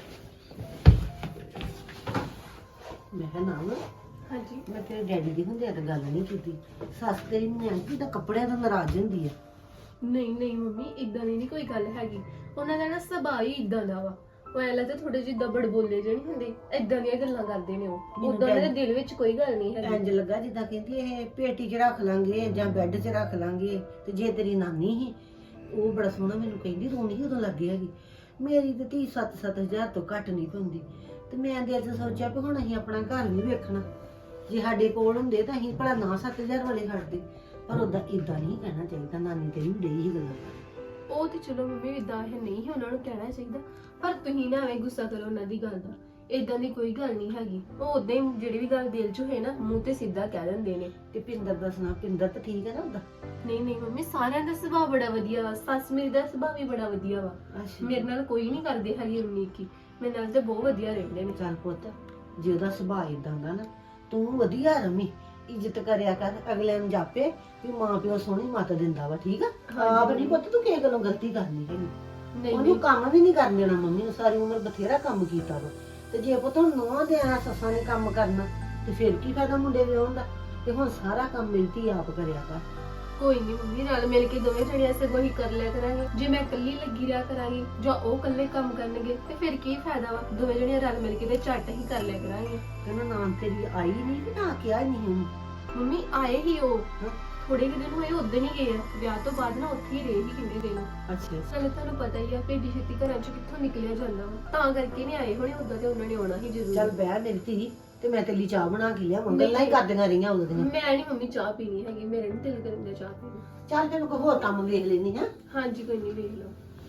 ਮੈਂ ਕਿਹਾ ਨਾ
ਹਾਂਜੀ
ਮੈਂ ਤੇਰੇ ਡੈਡੀ ਦੀ ਹੁੰਦਿਆਂ ਤਾਂ ਗੱਲ ਨਹੀਂ ਕੀਤੀ। ਸੱਸ ਤੇਰੀ ਨਿਆਂਕੀ ਤਾਂ ਕੱਪੜਿਆਂ ਤੋਂ ਨਾਰਾਜ਼ ਹੁੰਦੀ ਆ।
ਨਹੀਂ ਮੰਮੀ, ਇਦਾਂ ਦੀ ਨਹੀਂ ਕੋਈ ਗੱਲ ਹੈਗੀ। ਉਹਨਾਂ ਦਾ ਨਾ ਸੁਭਾਅ ਹੀ ਇਦਾਂ ਦਾ ਵਾ। ਉਹ ਐਲਾ ਤੇ ਥੋੜੇ ਜਿਹੇ ਦਬੜ ਬੋਲੇ ਜਿਹੇ ਨਹੀਂ ਹੁੰਦੇ, ਏਦਾਂ ਦੀਆਂ ਗੱਲਾਂ ਕਰਦੇ ਨੇ ਉਹ।
ਮੈਨੂੰ
ਉਦਾਂ ਉਹਨਾਂ ਦੇ
ਤਾਂ-
ਦਿਲ ਵਿੱਚ ਕੋਈ ਗੱਲ ਨਹੀਂ ਹੈਗੀ।
ਇੰਜ ਲੱਗਾ ਜਿੱਦਾਂ ਕਹਿੰਦੀ ਇਹ ਪੇਟੀ 'ਚ ਰੱਖ ਲਾਂਗੇ ਜਾਂ ਬੈੱਡ 'ਚ ਰੱਖ ਲਾਂਗੇ। ਤੇ ਜੇ ਤੇਰੀ ਨਾਨੀ ਸੀ ਉਹ ਬੜਾ ਸੋਹਣਾ ਮੈਨੂੰ ਕਹਿੰਦੀ ਰੋਣੀ ਸੀ ਉਦੋਂ ਲੱਗੀ ਹੈਗੀ। ਮੇਰੀ ਤੇ ਧੀ 7-7 ਹਜ਼ਾਰ ਤੋਂ ਘੱਟ ਨਹੀਂ ਹੁੰਦੀ। ਤੇ ਮੈਂ ਦੇ ਅੱਜ ਸੋਚਿਆ ਵੀ ਹੁਣ ਅਸੀਂ ਆਪਣਾ ਘਰ ਨਹੀਂ ਵੇਖਣਾ। ਜੇ ਸਾਡੇ ਕੋਲ ਹੁੰਦੇ ਤਾਂ ਅਸੀਂ ਭਲਾ ਨਾ 7 ਹਜ਼ਾਰ ਵਾਲੇ ਖੜਦੇ। ਪਰ ਉਦਾਂ ਇਦਾਂ ਨਹੀਂ ਕਹਿਣਾ ਚਾਹੀਦਾ। ਨਾਨੀ ਤੇਰੀ ਵੀ ਡਈ ਸੀ ਗੱਲਾਂ ਕਰਨ।
ਉਹ ਤੇ ਚਲੋ ਮੰਮੀ ਇਦਾਂ ਹੈ ਨਹੀਂ ਉਹਨਾਂ ਨੂੰ ਕਹਿਣਾ ਚਾਹੀਦਾ, ਪਰ ਤੁਸੀਂ ਨਾ ਐਵੇਂ ਗੁੱਸਾ ਕਰੋ ਉਹਨਾਂ ਦੀ ਗੱਲ ਦਾ। ਇਦਾਂ ਦੀ ਕੋਈ ਗੱਲ ਨਹੀਂ ਹੈਗੀ। ਉਹ ਉਦਾਂ ਹੀ ਜਿਹੜੀ ਵੀ ਗੱਲ ਦਿਲ 'ਚ ਹੋਏ ਨਾ ਮੂੰਹ ਤੇ ਸਿੱਧਾ ਕਹਿ ਦਿੰਦੇ ਨੇ।
ਤੇ ਪਿੰਦਰ ਦਾ ਸੁਣਾ, ਪਿੰਦਰ ਤਾਂ ਠੀਕ ਹੈ ਨਾ ਉਹਦਾ?
ਨਹੀਂ ਮੰਮੀ, ਸਾਰਿਆਂ ਦਾ ਸੁਭਾਅ ਬੜਾ ਵਧੀਆ ਵਾ। ਸੱਸ ਮੇਰੀ ਦਾ ਸੁਭਾਅ ਵੀ ਬੜਾ ਵਧੀਆ ਵਾ।
ਅੱਛਾ
ਮੇਰੇ ਨਾਲ ਕੋਈ ਨਹੀਂ ਕਰਦੇ ਹੈਗੇ ਉਨੀ ਕੀ, ਮੇਰੇ ਨਾਲ ਤੇ ਬਹੁਤ ਵਧੀਆ ਰਹਿੰਦੇ ਨੇ।
ਚੱਲ ਪੁੱਤ, ਜੇ ਉਹਦਾ ਸੁਭਾਅ ਇਦਾਂ ਦਾ ਨਾ ਤੂੰ ਵਧੀਆ ਰਮੀ, ਇੱਜ਼ਤ ਕਰਿਆ ਕਰ। ਅਗਲੇ ਨੂੰ ਜਾਪੇ ਵੀ ਮਾਂ ਪਿਓ ਸੋਹਣੀ ਮੱਤ ਦਿੰਦਾ ਵਾ। ਠੀਕ ਆ? ਆਪ ਨਹੀਂ ਪੁੱਤ ਤੂੰ ਕਿਸੇ ਗੱਲੋਂ ਗਲਤੀ ਕਰਨੀ ਹੈਗੀ।
ਨਹੀਂ
ਉਹਨੂੰ ਕੰਮ ਵੀ ਨਹੀਂ ਕਰਨ ਦੇਣਾ। ਮੰਮੀ ਨੇ ਸਾਰੀ ਉਮਰ ਬਥੇਰਾ ਕੰਮ ਕੀਤਾ ਵਾ। ਤੇ ਜੇ ਪੁੱਤ ਹੁਣ ਨੂੰਹਾਂ ਦੇ ਆ ਸੱਸਾਂ ਨੇ ਕੰਮ ਕਰਨਾ ਤੇ ਫਿਰ ਕੀ ਫਾਇਦਾ ਮੁੰਡੇ ਵਿਆਹੁਣ ਦਾ? ਤੇ ਹੁਣ ਸਾਰਾ ਕੰਮ ਮਿਲਤੀ ਆਪ ਕਰਿਆ ਕਰ।
ਕੋਈ ਨਹੀਂ ਮੰਮੀ, ਰਲ ਮਿਲ ਕੇ ਦੋਵੇਂ ਜਣੀਆਂ ਸੇ ਹੀ ਕਰ ਲਿਆ ਕਰਾਂਗੇ। ਜੇ ਮੈਂ ਇਕੱਲੀ ਲੱਗੀ ਰਿਹਾ ਕਰਾਂਗੀ ਜਾਂ ਉਹ ਇਕੱਲੇ ਕੰਮ ਕਰਨਗੇ ਤੇ ਫਿਰ ਕੀ ਫਾਇਦਾ ਵਾ? ਦੋਵੇਂ ਜਣੀਆਂ ਰਲ ਮਿਲ ਕੇ ਤੇ ਝੱਟ ਹੀ ਕਰ ਲਿਆ ਕਰਾਂਗੇ।
ਕਹਿੰਦਾ ਨਾਮ ਤੇਰੀ ਆਈ ਨਹੀਂ ਕਿ ਨਾ ਕਿਹਾ ਹੀ ਨਹੀਂ ਉਹਨੂੰ।
ਮੰਮੀ ਆਏ ਹੀ ਉਹ
ਹਾਂ।
ਥੋੜੇ ਕੁ ਦਿਨ ਹੋਏ ਉਦੋਂ ਹੀ ਗਏ ਆ। ਵਿਆਹ ਤੋਂ ਬਾਅਦ ਨਾ ਉੱਥੇ ਹੀ ਰਹੇ ਹੀ ਕਿੰਨੇ ਦਿਨ।
ਅੱਛਾ
ਸਾਨੂੰ ਤੁਹਾਨੂੰ ਪਤਾ ਹੀ ਆ ਭੇਡੀ ਛੇਤੀ ਘਰਾਂ ਚ ਕਿੱਥੋਂ ਨਿਕਲਿਆ ਜਾਂਦਾ ਵਾ, ਤਾਂ ਕਰਕੇ ਨਹੀਂ ਆਏ ਹੋਣੇ। ਉਦਾਂ ਤੇ ਉਹਨਾਂ ਨੇ ਆਉਣਾ ਹੀ ਜ਼ਰੂਰ।
ਚੱਲ ਬਹਿ ਮੇਰੀ ਧੀ, ਤੇ ਮੈਂ ਤੇਰੀ ਚਾਹ ਬਣਾ ਕੇ ਲਿਆ। ਗੱਲਾਂ ਹੀ ਕਰਦੀਆਂ ਰਹੀਆਂ ਉਦੋਂ ਦੀਆਂ।
ਮੈਂ ਨਹੀਂ ਮੰਮੀ ਚਾਹ ਪੀਣੀ ਹੈਗੀ, ਮੇਰੇ ਨਹੀਂ ਦਿਲ ਕਰਨ ਦਾ ਚਾਹ ਪੀਣੀ।
ਚੱਲ ਤੈਨੂੰ ਕੋਈ ਹੋਰ ਕੰਮ ਵੇਖ ਲੈਣੀ ਹੈ।
ਹਾਂਜੀ ਕੋਈ ਨਹੀਂ, ਵੇਖ ਲਓ।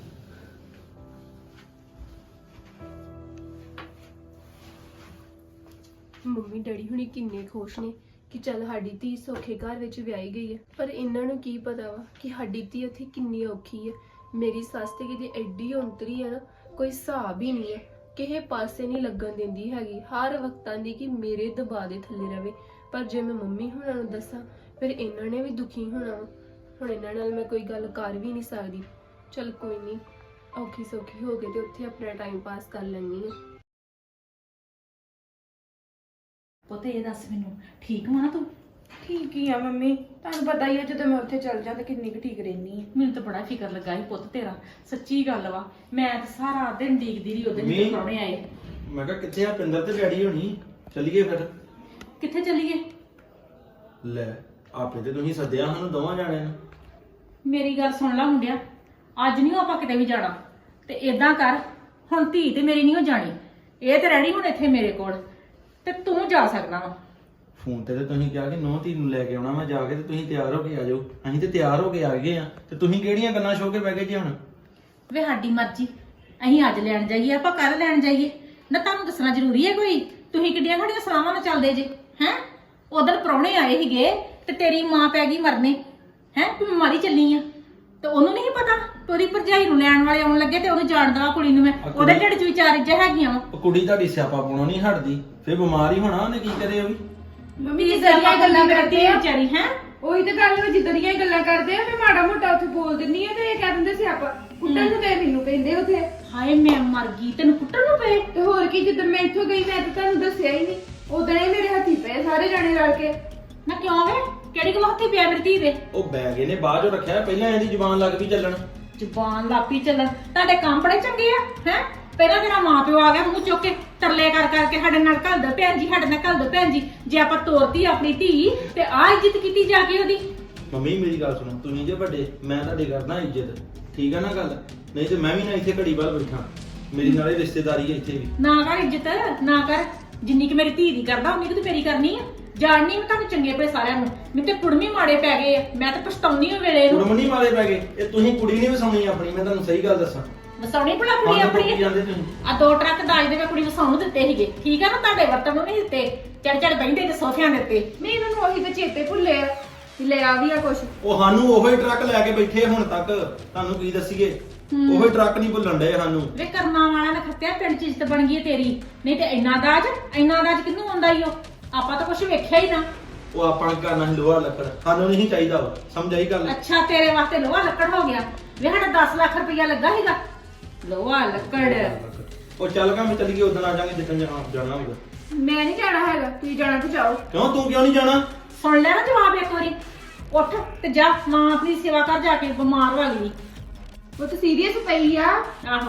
ਮੰਮੀ ਡੈਡੀ ਹੁਣੀ ਕਿੰਨੇ ਖੁਸ਼ ਨੇ ਕਿ ਚੱਲ ਸਾਡੀ ਧੀ ਸੌਖੇ ਘਰ ਵਿੱਚ ਵਿਆਹੀ ਗਈ ਹੈ। ਪਰ ਇਹਨਾਂ ਨੂੰ ਕੀ ਪਤਾ ਵਾ ਕਿ ਸਾਡੀ ਧੀ ਉੱਥੇ ਕਿੰਨੀ ਔਖੀ ਹੈ। ਮੇਰੀ ਸੱਸ ਤੇ ਕਿਤੇ ਐਡੀ ਔਂਤਰੀ ਹੈ ਨਾ, ਕੋਈ ਹਿਸਾਬ ਹੀ ਨਹੀਂ ਹੈ। ਕਿਸੇ ਪਾਸੇ ਨਹੀਂ ਲੱਗਣ ਦਿੰਦੀ ਹੈਗੀ। ਹਰ ਵਕਤਾਂ ਦੀ ਕਿ ਮੇਰੇ ਦਬਾਅ ਦੇ ਥੱਲੇ ਰਵੇ। ਪਰ ਜੇ ਮੈਂ ਮੰਮੀ ਹੁਣਾਂ ਨੂੰ ਦੱਸਾਂ ਫਿਰ ਇਹਨਾਂ ਨੇ ਵੀ ਦੁਖੀ ਹੋਣਾ ਵਾ। ਹੁਣ ਇਹਨਾਂ ਨਾਲ ਮੈਂ ਕੋਈ ਗੱਲ ਕਰ ਵੀ ਨਹੀਂ ਸਕਦੀ। ਚਲ ਕੋਈ ਨਹੀਂ, ਔਖੀ ਸੌਖੀ ਹੋ ਕੇ ਤੇ ਉੱਥੇ ਆਪਣਾ ਟਾਈਮ ਪਾਸ ਕਰ ਲੈਣੀ ਹੈ।
ਪੁੱਤ ਇਹ ਦੱਸ ਮੈਨੂੰ, ਠੀਕ ਵਾ ਨਾ ਤੂੰ?
ਠੀਕ ਹੀ ਆ ਮੰਮੀ, ਤੁਹਾਨੂੰ ਪਤਾ ਹੀ ਆ ਜਦੋਂ ਮੈਂ ਉੱਥੇ ਚਲ ਜਾਂ ਤਾਂ ਕਿੰਨੀ ਕੁ ਠੀਕ ਰਹਿਨੀ ਆ।
ਮੈਨੂੰ ਤਾਂ ਬੜਾ ਫਿਕਰ ਲੱਗਾ ਸੀ ਪੁੱਤ ਤੇਰਾ। ਸੱਚੀ ਗੱਲ ਵਾ, ਮੈਂ ਤਾਂ ਸਾਰਾ ਦਿਨ ਡੀਕਦੀ ਰਹੀ ਉਹਦੇ
ਮੰਮੀ।
ਜਿਹੜੇ ਪ੍ਰਾਹੁਣੇ ਆਏ।
ਮੈਂ ਕਿਹਾ ਕਿੱਥੇ ਆ ਪਿੰਦਰ ਤੇ ਡੈਡੀ ਹੋਣੀ? ਚੱਲੀਏ ਫਿਰ।
ਕਿੱਥੇ ਚੱਲੀਏ?
ਲੈ ਆਪੇ ਤੇ ਤੁਸੀਂ ਸੱਦਿਆ ਸਾਨੂੰ ਦੋਵਾਂ ਜਾਣਿਆਂ ਨੂੰ।
ਮੇਰੀ ਗੱਲ ਸੁਣ ਲੈ ਮੁੰਡਿਆ, ਅੱਜ ਨਹੀਂ ਆਪਾਂ ਕਿਤੇ ਵੀ ਜਾਣਾ। ਤੇ ਏਦਾਂ ਕਰ, ਹੁਣ ਧੀ ਤੇ ਮੇਰੀ ਨਹੀਂ ਹੋ ਜਾਣੀ। ਇਹ ਤੇ ਰਹਿਣੀ ਹੁਣ ਇੱਥੇ ਮੇਰੇ ਕੋਲ, ਤੇ ਤੂੰ ਜਾ ਸਕਦਾ ਵਾ।
ਫੋਨ ਤੇ ਤੁਸੀਂ ਕਿਹਾ ਕਿ ਨੌ ਧੀ ਨੂੰ ਲੈ ਕੇ ਆਉਣਾ ਮੈਂ ਜਾ ਕੇ, ਤੇ ਤੁਸੀਂ ਤਿਆਰ ਹੋ ਕੇ ਆ ਜਾਓ। ਅਸੀਂ ਤੇ ਤਿਆਰ ਹੋ ਕੇ ਆ ਗਏ ਆ, ਤੇ ਤੁਸੀਂ ਕਿਹੜੀਆਂ ਗੱਲਾਂ ਸ਼ੋ ਕੇ ਬਹਿ ਗਏ ਜੀ ਹੁਣ?
ਵੇ ਸਾਡੀ ਮਰਜ਼ੀ, ਅਸੀਂ ਅੱਜ ਲੈਣ ਜਾਈਏ ਆਪਾਂ ਕੱਲ ਲੈਣ ਜਾਈਏ ਨਾ, ਤੁਹਾਨੂੰ ਦੱਸਣਾ ਜ਼ਰੂਰੀ ਹੈ ਕੋਈ? ਤੁਸੀਂ ਕਿੱਡੀਆਂ ਸਾਡੀਆਂ ਸਲਾਹਾਂ ਨਾਲ ਚੱਲਦੇ ਜੇ ਹੈ? ਉਧਰ ਪ੍ਰਾਹੁਣੇ ਆਏ ਸੀਗੇ ਤੇ ਤੇਰੀ ਮਾਂ ਪੈ ਗਈ ਮਰਨੇ ਹੈ, ਤੂੰ ਮਾਰੀ ਚੱਲੀ ਆ। ਤੇ ਉਹਨੂੰ ਨਹੀਂ ਪਤਾ ਤੋਰੀ ਭਰਜਾਈ ਨੂੰ ਲੈਣ ਵਾਲੇ ਆਉਣ ਲੱਗੇ ਤੇ ਉਹਨੂੰ ਜਾਣਦਾ ਕੁੜੀ ਨੂੰ ਮੈਂ। ਉਹਦੇ ਢਿੱਡ 'ਚ ਵਿਚਾਰ ਇੱਜਾ ਹੈਗੀਆਂ ਵਾ।
ਉਹ ਕੁੜੀ ਤੁਹਾਡੀ ਸਿਆਪਾ ਪਾਉਣੋਂ ਨਹੀਂ ਹਟਦੀ, ਫਿਰ ਬਿਮਾਰ ਹੀ ਹੋਣਾ ਉਹਨੇ। ਕੀ ਕਰੇ ਉਹ ਵੀ?
ਮੰਮੀ ਜਿੱਦਾਂ ਦੀਆਂ ਗੱਲਾਂ ਕਰਦੇ ਆ
ਵਿਚਾਰੀ ਹੈ।
ਉਹੀ ਤਾਂ ਗੱਲ ਵਾ, ਜਿੱਦਾਂ ਦੀਆਂ ਗੱਲਾਂ ਕਰਦੇ ਆ ਮੈਂ ਮਾੜਾ ਮੋਟਾ ਉੱਥੇ ਬੋਲ ਦਿੰਨੀ ਆ ਤੇ ਇਹ ਕਹਿ ਦਿੰਦੇ ਸੀ ਆਪਾਂ ਕੁੱਟਣ ਨੂੰ ਤੇ ਮੈਨੂੰ ਕਹਿੰਦੇ ਉੱਥੇ।
ਹਾਏ ਮੈਂ ਮਰ ਗਈ, ਤੈਨੂੰ ਕੁੱਟਣ ਨੂੰ ਪਏ?
ਤੇ ਹੋਰ ਕੀ, ਜਦੋਂ ਮੈਂ ਇੱਥੋਂ ਗਈ ਮੈਂ ਤਾਂ ਤੁਹਾਨੂੰ ਦੱਸਿਆ ਹੀ ਨਹੀਂ। ਉਦੋਂ ਹੀ ਮੇਰੇ ਹੱਥੀ ਪਏ ਸਾਰੇ ਜਾਣੇ ਰਲ ਕੇ।
ਨਾ ਕਿਉਂ ਵੇ? ਕਿਹੜੀ ਗੱਲ ਹੱਥੀ ਪਿਆ ਮੇਰੀ ਧੀ ਦੇ?
ਉਹ ਬੈਗ ਇਹਨੇ ਬਾਅਦ ਚੋਂ ਰੱਖਿਆ, ਪਹਿਲਾਂ ਇਹਦੀ ਜ਼ੁਬਾਨ ਲੱਗ ਪਈ ਚੱਲਣ।
ਜ਼ੁਬਾਨ ਲਾਪੀ ਚੱਲਣ? ਤੁਹਾਡੇ ਕੰਮ ਬੜੇ ਚੰਗੇ ਆ ਹੈ। ਪਹਿਲਾਂ ਤੇਰਾ ਮਾਂ ਪਿਓ ਆ ਗਿਆ ਮੂੰਹ ਚੁੱਕ ਕੇ ਤਰਲੇ ਕਰ ਕਰਕੇ ਸਾਡੇ ਨਾਲ ਘੱਲ ਦੋ ਭੈਣ ਜੀ, ਸਾਡੇ ਨਾਲ ਘੱਲ ਦੋ ਭੈਣ ਜੀ। ਜੇ ਆਪਾਂ ਤੋਰਤੀ ਆਪਣੀ ਧੀ ਤੇ ਆ ਇੱਜ਼ਤ ਕੀਤੀ ਜਾ ਕੇ ਉਹਦੀ।
ਮੰਮੀ ਮੇਰੀ ਗੱਲ ਸੁਣੋ, ਤੁਸੀਂ ਜੇ ਵੱਡੇ, ਮੈਂ ਤੁਹਾਡੀ ਕਰਦਾ ਇੱਜ਼ਤ, ਠੀਕ ਆ ਨਾ ਗੱਲ? ਨਹੀਂ ਤੇ ਮੈਂ ਵੀ ਨਾ ਇੱਥੇ ਘੜੀ ਵੱਲ ਬੈਠਾ, ਮੇਰੀ ਨਾਲੇ ਰਿਸ਼ਤੇਦਾਰੀ ਹੈ ਇੱਥੇ ਵੀ।
ਨਾ ਕਰ ਇੱਜ਼ਤ, ਨਾ ਕਰ। ਜਿੰਨੀ ਕਿ ਮੇਰੀ ਧੀ ਦੀ ਕਰਦਾ ਉਨੀ ਕਿ ਤੂੰ ਮੇਰੀ ਕਰਨੀ ਆ। ਜਾਣਨੀ ਮੈਂ ਤੁਹਾਨੂੰ ਚੰਗੇ ਭਲੇ ਸਾਰਿਆਂ ਨੂੰ। ਮੈਨੂੰ ਤੇ ਕੁੜਮੀ ਮਾੜੇ ਪੈ ਗਏ ਆ, ਮੈਂ ਤਾਂ ਪਛਤਾਉਣੀ ਆ ਵੇਲੇ ਨੂੰ।
ਕੁੜਮਣੀ ਵਾਲੇ ਪੈ ਗਏ? ਇਹ ਤੁਸੀਂ ਕੁੜੀ ਨਹੀਂ ਵਸਾਉਣੀ ਆਪਣੀ, ਮੈਂ ਤੁਹਾਨੂੰ ਸਹੀ ਗੱਲ ਦੱਸਾਂ।
ਵਸਾਉਣੀ ਭਲਾ ਕੁੜੀ ਆਪਣੀ?
ਜਾਂਦੇ ਤੁਸੀਂ
ਆ 2 ਟਰੱਕ ਦਾਜ ਦੇ ਮੈਂ ਕੁੜੀ ਵਸਾਉਣ ਨੂੰ ਦਿੱਤੇ ਸੀਗੇ, ਠੀਕ ਆ ਨਾ? ਤੁਹਾਡੇ ਵਰਤਨ ਨੂੰ ਨਹੀਂ ਦਿੱਤੇ। ਚੜ ਚੜ ਬੈਠੇ ਤੇ ਸੋਫਿਆਂ ਦੇ ਉੱਤੇ।
ਨਹੀਂ ਇਹਨਾਂ ਨੂੰ ਉਹੀ ਤਾਂ ਚੇਤੇ ਭੁੱਲੇ ਆ ਕਿ ਲੈ ਆ ਵੀ ਆ ਕੁਛ।
ਉਹ ਸਾਨੂੰ ਉਹੀ ਟਰੱਕ ਲੈ ਕੇ ਬੈਠੇ ਹੁਣ ਤੱਕ, ਤੁਹਾਨੂੰ ਕੀ ਦੱਸੀਏ? ਉਹੀ ਟਰੱਕ ਨਹੀਂ ਭੁੱਲਣ ਡਏ ਸਾਨੂੰ।
ਵੇ ਕਰਮਾਂ ਵਾਲਾ ਨੇ ਖੱਤਿਆ, ਪਿੰਡ 'ਚ ਇੱਜ਼ਤ ਬਣ ਗਈ ਹੈ ਤੇਰੀ। ਨਹੀਂ ਤੇ ਇੰਨਾ ਦਾਜ ਕਿਹਨੂੰ ਆਉਂਦਾ ਈ? ਉਹ ਆਪਾਂ ਤਾਂ ਕੁਝ ਵੇਖਿਆ ਹੀ ਨਾ।
ਉਹ ਆਪਾਂ ਕਰਨਾ ਸੀ ਲੋਹਾ ਲੱਕੜ, ਸਾਨੂੰ ਨਹੀਂ ਚਾਹੀਦਾ ਵਾ, ਸਮਝ ਆਈ ਗੱਲ?
ਅੱਛਾ ਤੇਰੇ ਵਾਸਤੇ ਲੋਹਾ ਲੱਕੜ ਹੋ ਗਿਆ। ਵੇ ਸਾਡਾ 10 ਲੱਖ ਰੁਪਇਆ ਲੱਗਾ ਸੀਗਾ ਲੋਹਾ ਲੱਕੜ।
ਉਹ ਚੱਲ ਗਾ, ਮੈਂ ਚੱਲ ਗਈ ਉਦੋਂ ਆ ਜਾਾਂਗੇ ਜਿੱਦਣ ਜਾਣਾ ਹੋਊਗਾ।
ਮੈਂ ਨਹੀਂ ਜਾਣਾ ਹੈਗਾ, ਤੁਸੀਂ ਜਾਣਾ ਤਾਂ ਜਾਓ।
ਕਿਉਂ ਤੂੰ ਕਿਉਂ ਨਹੀਂ ਜਾਣਾ?
ਸੁਣ ਲੈ ਨਾ ਜਵਾਬ ਇੱਕ ਵਾਰੀ। ਉੱਠ ਤੇ ਜਾ, ਮਾਂ ਆਪਣੀ ਸੇਵਾ ਕਰ ਜਾ ਕੇ, ਬਿਮਾਰ ਹੋ ਗਈ।
ਉਹ ਤਾਂ ਸੀਰੀਅਸ ਪਈ ਆ।
ਆਹੋ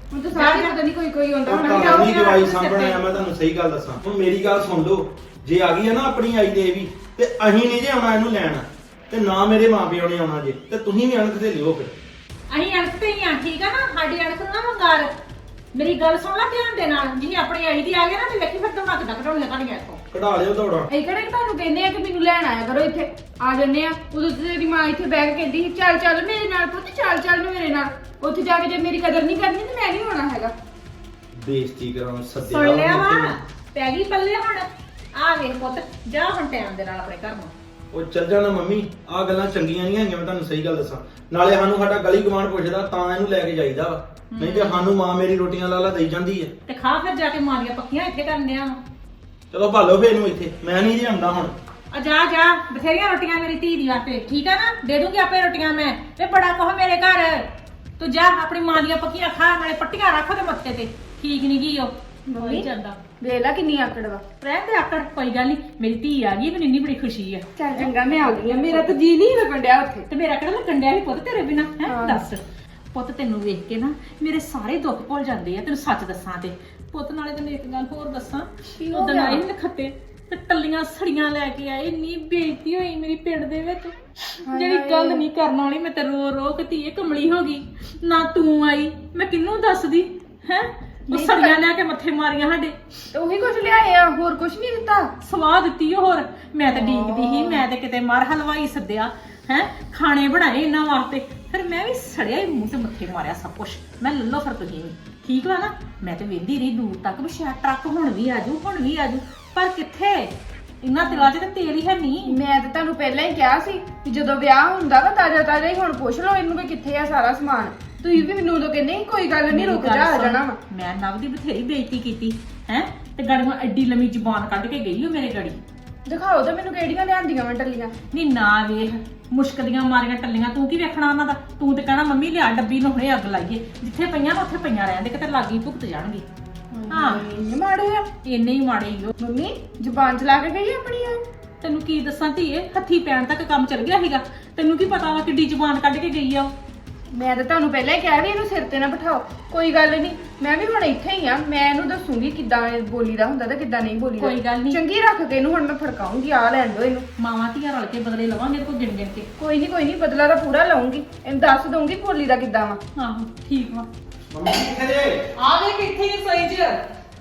ਹੁਣ ਤਾਂ ਸਾਰੇ ਪਤਾ ਨਹੀਂ ਕੋਈ ਆਉਂਦਾ
ਉਹ
ਹੁਣ
ਘਰ ਨਹੀਂ ਜਵਾਈ ਸਾਂਭਣ ਆਇਆ, ਮੈਂ ਤੁਹਾਨੂੰ ਸਹੀ ਗੱਲ ਦੱਸਾਂ। ਹੁਣ ਮੇਰੀ ਗੱਲ ਸੁਣ ਲਓ, ਜੇ ਆ ਗਈ ਹੈ ਨਾ ਆਪਣੀ ਆਈ ਦੇ ਵੀ, ਤੇ ਅਸੀਂ ਨਹੀਂ ਜੇ ਆਉਣਾ ਇਹਨੂੰ ਲੈਣ, ਤੇ ਨਾ ਮੇਰੇ ਮਾਪਿਓ ਨੇ ਆਉਣਾ ਜੇ, ਤੇ ਤੁਸੀਂ ਵੀ ਅਣਖ ਤੇ ਲਿਓ ਫਿਰ।
ਅਸੀਂ ਅਣਖ ਤੇ ਹੀ ਆ, ਠੀਕ ਆ ਨਾ, ਸਾਡੀ ਅਣਖ ਨੂੰ ਨਾ ਮੰਗਾਰ। ਮੇਰੀ ਗੱਲ ਸੁਣ ਲੈ ਧਿਆਨ ਦੇ ਨਾਲ, ਜੀ ਆਪਣੀ ਆਈ ਦੀ ਆ ਗਏ ਨਾ ਤੇ ਵੇਖੀ ਫਿਰ ਦੌੜਾ ਕਿੱਦਾਂ ਕਢਾਉਣੀਆਂ ਤੁਹਾਡੀਆਂ ਇੱਥੋਂ।
ਕਢਾ ਲਿਓ ਦੌੜਾ।
ਇਹ ਕਿਹੜੇ ਕਿ ਤੁਹਾਨੂੰ ਕਹਿੰਦੇ ਆ ਕਿ ਮੈਨੂੰ ਲੈਣ ਆਇਆ ਕਰੋ ਇੱਥੇ, ਆ ਜੰਨੇ ਆ। ਉਦੋਂ ਤੇ ਤੇਰੀ ਮਾਂ ਇੱਥੇ ਬੈਠ ਕੇ ਕਹਿੰਦੀ ਸੀ ਚੱਲ ਚੱਲ ਮੇਰੇ ਨਾਲ ਪੁੱਤ, ਚੱਲ ਚੱਲ ਮੇਰੇ ਨਾਲ। ਉੱਥੇ ਜਾ ਕੇ ਜੇ ਮੇਰੀ ਕਦਰ ਨਹੀਂ ਕਰਨੀ ਤੇ ਮੈਂ ਨਹੀਂ ਹੋਣਾ ਹੈਗਾ।
ਬੇਇੱਜ਼ਤੀ ਕਰਾਉਣ ਸੱਦਿਆ
ਸੁਣ ਲਿਆ ਵਾ,
ਉਹਨੂੰ।
ਪੈ ਗਈ ਪੱਲੇ ਹੁਣ। ਆ ਵੇਖ ਪੁੱਤ, ਜਾ ਹੁਣ ਟਾਈਮ ਦੇ ਨਾਲ ਆਪਣੇ ਘਰ ਨੂੰ।
ਉਹ ਚੱਲ ਜਾਣਾ ਮੰਮੀ, ਆਹ ਗੱਲਾਂ ਚੰਗੀਆਂ ਨਹੀਂ ਹੈਗੀਆਂ, ਮੈਂ ਤੁਹਾਨੂੰ ਸਹੀ ਗੱਲ ਦੱਸਾਂ। ਨਾਲੇ ਸਾਨੂੰ ਸਾਡਾ ਗਲੀ ਗਵਾਂਢ ਪੁੱਛਦਾ ਤਾਂ ਇਹਨੂੰ ਲੈ ਕੇ ਜਾਈਦਾ ਵਾ, ਨਹੀਂ ਤੇ ਸਾਨੂੰ ਮਾਂ ਮੇਰੀ ਰੋਟੀਆਂ ਲਾਲਾ ਦੇਈ ਜਾਂਦੀ ਹੈ।
ਤੇ ਖਾ ਫਿਰ ਜਾ ਕੇ ਮਾਰੀਆਂ ਪੱਕੀਆਂ ਇੱਥੇ ਕਰਨ ਡਿਆ ਵਾ।
ਚਲੋ ਭਾਲੋ ਫੇਰ ਇਹਨੂੰ ਇੱਥੇ, ਮੈਂ ਨਹੀਂ ਜੇ ਆਉਂਦਾ ਹੁਣ।
ਆ ਜਾ ਜਾ, ਬਥੇਰੀਆਂ ਰੋਟੀਆਂ ਮੇਰੀ ਧੀ ਦੀ ਵਾਸਤੇ, ਠੀਕ ਆ ਨਾ, ਦੇ ਦੂੰਗੀ ਆਪੇ ਰੋਟੀਆਂ ਮੈਂ। ਤੇ ਬੜਾ ਕੁਛ ਮੇਰੇ ਘਰ, ਤੂੰ ਜਾ ਆਪਣੀ ਮਾਂ ਦੀਆਂ ਪੱਕੀਆਂ ਖਾ, ਨਾਲੇ ਪੱਟੀਆਂ ਰੱਖ ਦੇ ਮੱਥੇ ਤੇ। ਠੀਕ ਨਹੀਂ ਗਈ ਉਹ
ਮੰਮੀ
ਜਾਂਦਾ
ਵੇਖ ਲੈ ਕਿੰਨੀ ਆਕੜ ਵਾ।
ਰਹਿਣ ਦੇ ਆਕੜ, ਕੋਈ ਗੱਲ ਨਹੀਂ, ਮੇਰੀ ਧੀ ਆ ਗਈ, ਮੈਨੂੰ ਇੰਨੀ ਬੜੀ ਖੁਸ਼ੀ ਆ।
ਚੱਲ ਚੰਗਾ ਮੈਂ ਆ ਗਈ ਆ, ਮੇਰਾ ਤਾਂ ਜੀ ਨਹੀਂ ਲੱਗਣ ਡਿਆ ਉੱਥੇ।
ਤੇ ਮੇਰਾ ਕਿਹੜਾ ਲੱਗਣ ਡਿਆ ਸੀ ਪੁੱਤ ਤੇਰੇ ਬਿਨਾ ਹੈ?
ਹਾਂ।
ਦੱਸ ਪੁੱਤ, ਤੈਨੂੰ ਵੇਖ ਕੇ ਨਾ ਮੇਰੇ ਸਾਰੇ ਦੁੱਖ ਭੁੱਲ ਜਾਂਦੇ ਆ, ਤੈਨੂੰ ਸੱਚ ਦੱਸਾਂ ਤੇ। ਪੁੱਤ ਨਾਲੇ ਤੈਨੂੰ ਇੱਕ ਗੱਲ ਹੋਰ ਦੱਸਾਂ,
ਕੀ ਹੋ
ਉਦੋਂ
ਗਿਆ?
ਆਈ ਨਖੱਤੇ ਤੇ ਟੱਲੀਆਂ ਸੜੀਆਂ ਲੈ ਕੇ ਆਏ, ਇੰਨੀ ਬੇਇੱਜ਼ਤੀ ਹੋਈ ਮੇਰੀ ਪਿੰਡ ਦੇ ਵਿੱਚ। ਜਿਹੜੀ ਗੱਲ ਨਹੀਂ ਕਰਨ ਵਾਲੀ, ਮੈਂ ਤੇ ਰੋ ਰੋ ਕੇ ਧੀਏ ਕਮਲੀ ਹੋ ਗਈ। ਨਾ ਤੂੰ ਆਈ, ਮੈਂ ਕਿਹਨੂੰ ਦੱਸਦੀ ਹੈ? ਉਹ ਸੜੀਆਂ ਲੈ ਕੇ ਮੱਥੇ ਮਾਰੀਆਂ ਸਾਡੇ,
ਤੇ ਉਹੀ ਕੁਝ ਲਿਆਏ ਆ, ਹੋਰ ਕੁਝ ਨਹੀਂ ਦਿੱਤਾ।
ਸਵਾਹ ਦਿੱਤੀ ਉਹ। ਹੋਰ ਮੈਂ ਤਾਂ ਡੀਕਦੀ ਸੀ, ਮੈਂ ਤੇ ਕਿਤੇ ਮਰ ਹਲਵਾਈ ਸੱਦਿਆ ਹੈ, ਖਾਣੇ ਬਣਾਏ ਇਹਨਾਂ ਵਾਸਤੇ, ਫਿਰ ਮੈਂ ਵੀ ਸੜਿਆ ਹੀ ਮੂੰਹ ਤੇ ਮੱਥੇ ਮਾਰਿਆ ਸਭ ਕੁਝ। ਮੈਂ ਲੱਲੋ ਫਿਰ ਤੁਸੀਂ ਵੀ ਠੀਕ ਵਾ ਨਾ। ਮੈਂ ਤੇ ਵੇਂਦੀ ਰਹੀ ਦੂਰ ਤੱਕ ਵੀ ਸ਼ਾਇਦ ਟਰੱਕ ਹੁਣ ਵੀ ਆਜੂ, ਹੁਣ ਵੀ ਆਜੂ, ਪਰ ਕਿੱਥੇ? ਇੰਨਾ ਦਿਲਾਂ 'ਚ ਤੇ ਤੇਲ ਹੀ ਹੈ ਨਹੀਂ।
ਮੈਂ ਤਾਂ ਤੁਹਾਨੂੰ ਪਹਿਲਾਂ ਹੀ ਕਿਹਾ ਸੀ ਕਿ ਜਦੋਂ ਵਿਆਹ ਹੁੰਦਾ ਵਾ ਤਾਜ਼ਾ ਤਾਜ਼ਾ ਹੀ ਹੁਣ ਪੁੱਛ ਲਓ ਇਹਨੂੰ ਵੀ ਕਿੱਥੇ ਆ ਸਾਰਾ ਸਮਾਨ। ਤੁਸੀਂ ਵੀ ਮੈਨੂੰ ਉਦੋਂ ਕਹਿੰਦੇ ਸੀ ਕੋਈ ਗੱਲ ਨਹੀਂ, ਰੁਕ ਜਾ, ਆ ਜਾਣਾ ਵਾ।
ਮੈਂ ਨਵ ਦੀ ਬਥੇਰੀ ਬੇਇੱਜ਼ਤੀ ਕੀਤੀ ਹੈ, ਤੇ ਗੜੀਆਂ ਐਡੀ ਲੰਮੀ ਜ਼ੁਬਾਨ ਕੱਢ ਕੇ ਗਈ ਉਹ ਮੇਰੇ ਗੜੀ।
ਦਿਖਾਓ ਤਾਂ ਮੈਨੂੰ ਕਿਹੜੀਆਂ ਲਿਆਂਦੀਆਂ ਵਾ ਟੱਲੀਆਂ।
ਨਹੀਂ ਨਾ ਵੇਖ, ਮੁਸ਼ਕ ਦੀਆਂ ਮਾਰੀਆਂ ਟੱਲੀਆਂ, ਤੂੰ ਕੀ ਵੇਖਣਾ ਉਹਨਾਂ ਦਾ? ਤੂੰ ਤੇ ਕਹਿਣਾ ਮੰਮੀ ਲਿਆ ਡੱਬੀ ਨੂੰ ਹੁਣੇ ਅੱਗ ਲਾਈਏ, ਜਿੱਥੇ ਪਈਆਂ ਨਾ ਉੱਥੇ ਪਈਆਂ ਰਹਿਣ ਦੇ, ਕਿਤੇ ਲਾਗੀ ਭੁਗਤ ਜਾਣਗੇ। ਹਾਂ
ਇੰਨੇ ਮਾੜੇ ਆ
ਇੰਨੇ ਹੀ ਮਾੜੇ ਹੀ ਉਹ।
ਮੰਮੀ, ਜ਼ੁਬਾਨ ਚਲਾ ਕੇ ਗਈ ਆਪਣੀ ਆ।
ਤੈਨੂੰ ਕੀ ਦੱਸਾਂ ਧੀਏ, ਹੱਥੀ ਪੈਣ ਤੱਕ ਕੰਮ ਚੱਲ ਗਿਆ ਸੀਗਾ। ਤੈਨੂੰ ਕੀ ਪਤਾ ਵਾ ਕਿੱਡੀ ਜ਼ੁਬਾਨ ਕੱਢ ਕੇ ਗਈ ਆ ਉਹ।
ਮੈਂ ਤਾਂ ਤੁਹਾਨੂੰ ਪਹਿਲਾਂ ਹੀ ਕਿਹਾ ਵੀ ਇਹਨੂੰ ਸਿਰ ਤੇ ਨਾ ਬਿਠਾਓ। ਕੋਈ ਗੱਲ ਨਹੀਂ, ਮੈਂ ਵੀ ਹੁਣ ਇੱਥੇ ਹੀ ਆ, ਮੈਂ ਇਹਨੂੰ ਦੱਸੂਗੀ ਕਿੱਦਾਂ ਬੋਲੀਦਾ ਹੁੰਦਾ ਤੇ ਕਿੱਦਾਂ ਨਹੀਂ ਬੋਲੀਦਾ।
ਕੋਈ ਗੱਲ ਨੀ।
ਚੰਗੀ ਰੱਖ ਕੇ ਇਹਨੂੰ ਹੁਣ ਮੈਂ ਫੜਕਾਉਂਗੀ, ਆ ਲੈਣ ਦੋ ਇਹਨੂੰ।
ਮਾਵਾਂ ਧੀਆਂ ਰਲ ਕੇ ਬਦਲੇ ਲਵਾਂਗੇ ਕੋਈ ਗਿਣ ਗਿਣ ਕੇ।
ਕੋਈ ਨਹੀਂ, ਬਦਲਾ ਤਾਂ ਪੂਰਾ ਲਵਾਂਗੀ, ਇਹਨੂੰ ਦੱਸ ਦਊਂਗੀ ਬੋਲੀ ਦਾ ਕਿੱਦਾਂ ਵਾ।
ਆਹੋ ਠੀਕ ਵਾ।
ਮੰਮੀ ਕਿੱਥੇ ਜੇ?
ਆ ਵੇ ਕਿੱਥੇ ਨਹੀਂ ਸੋਈ ਚ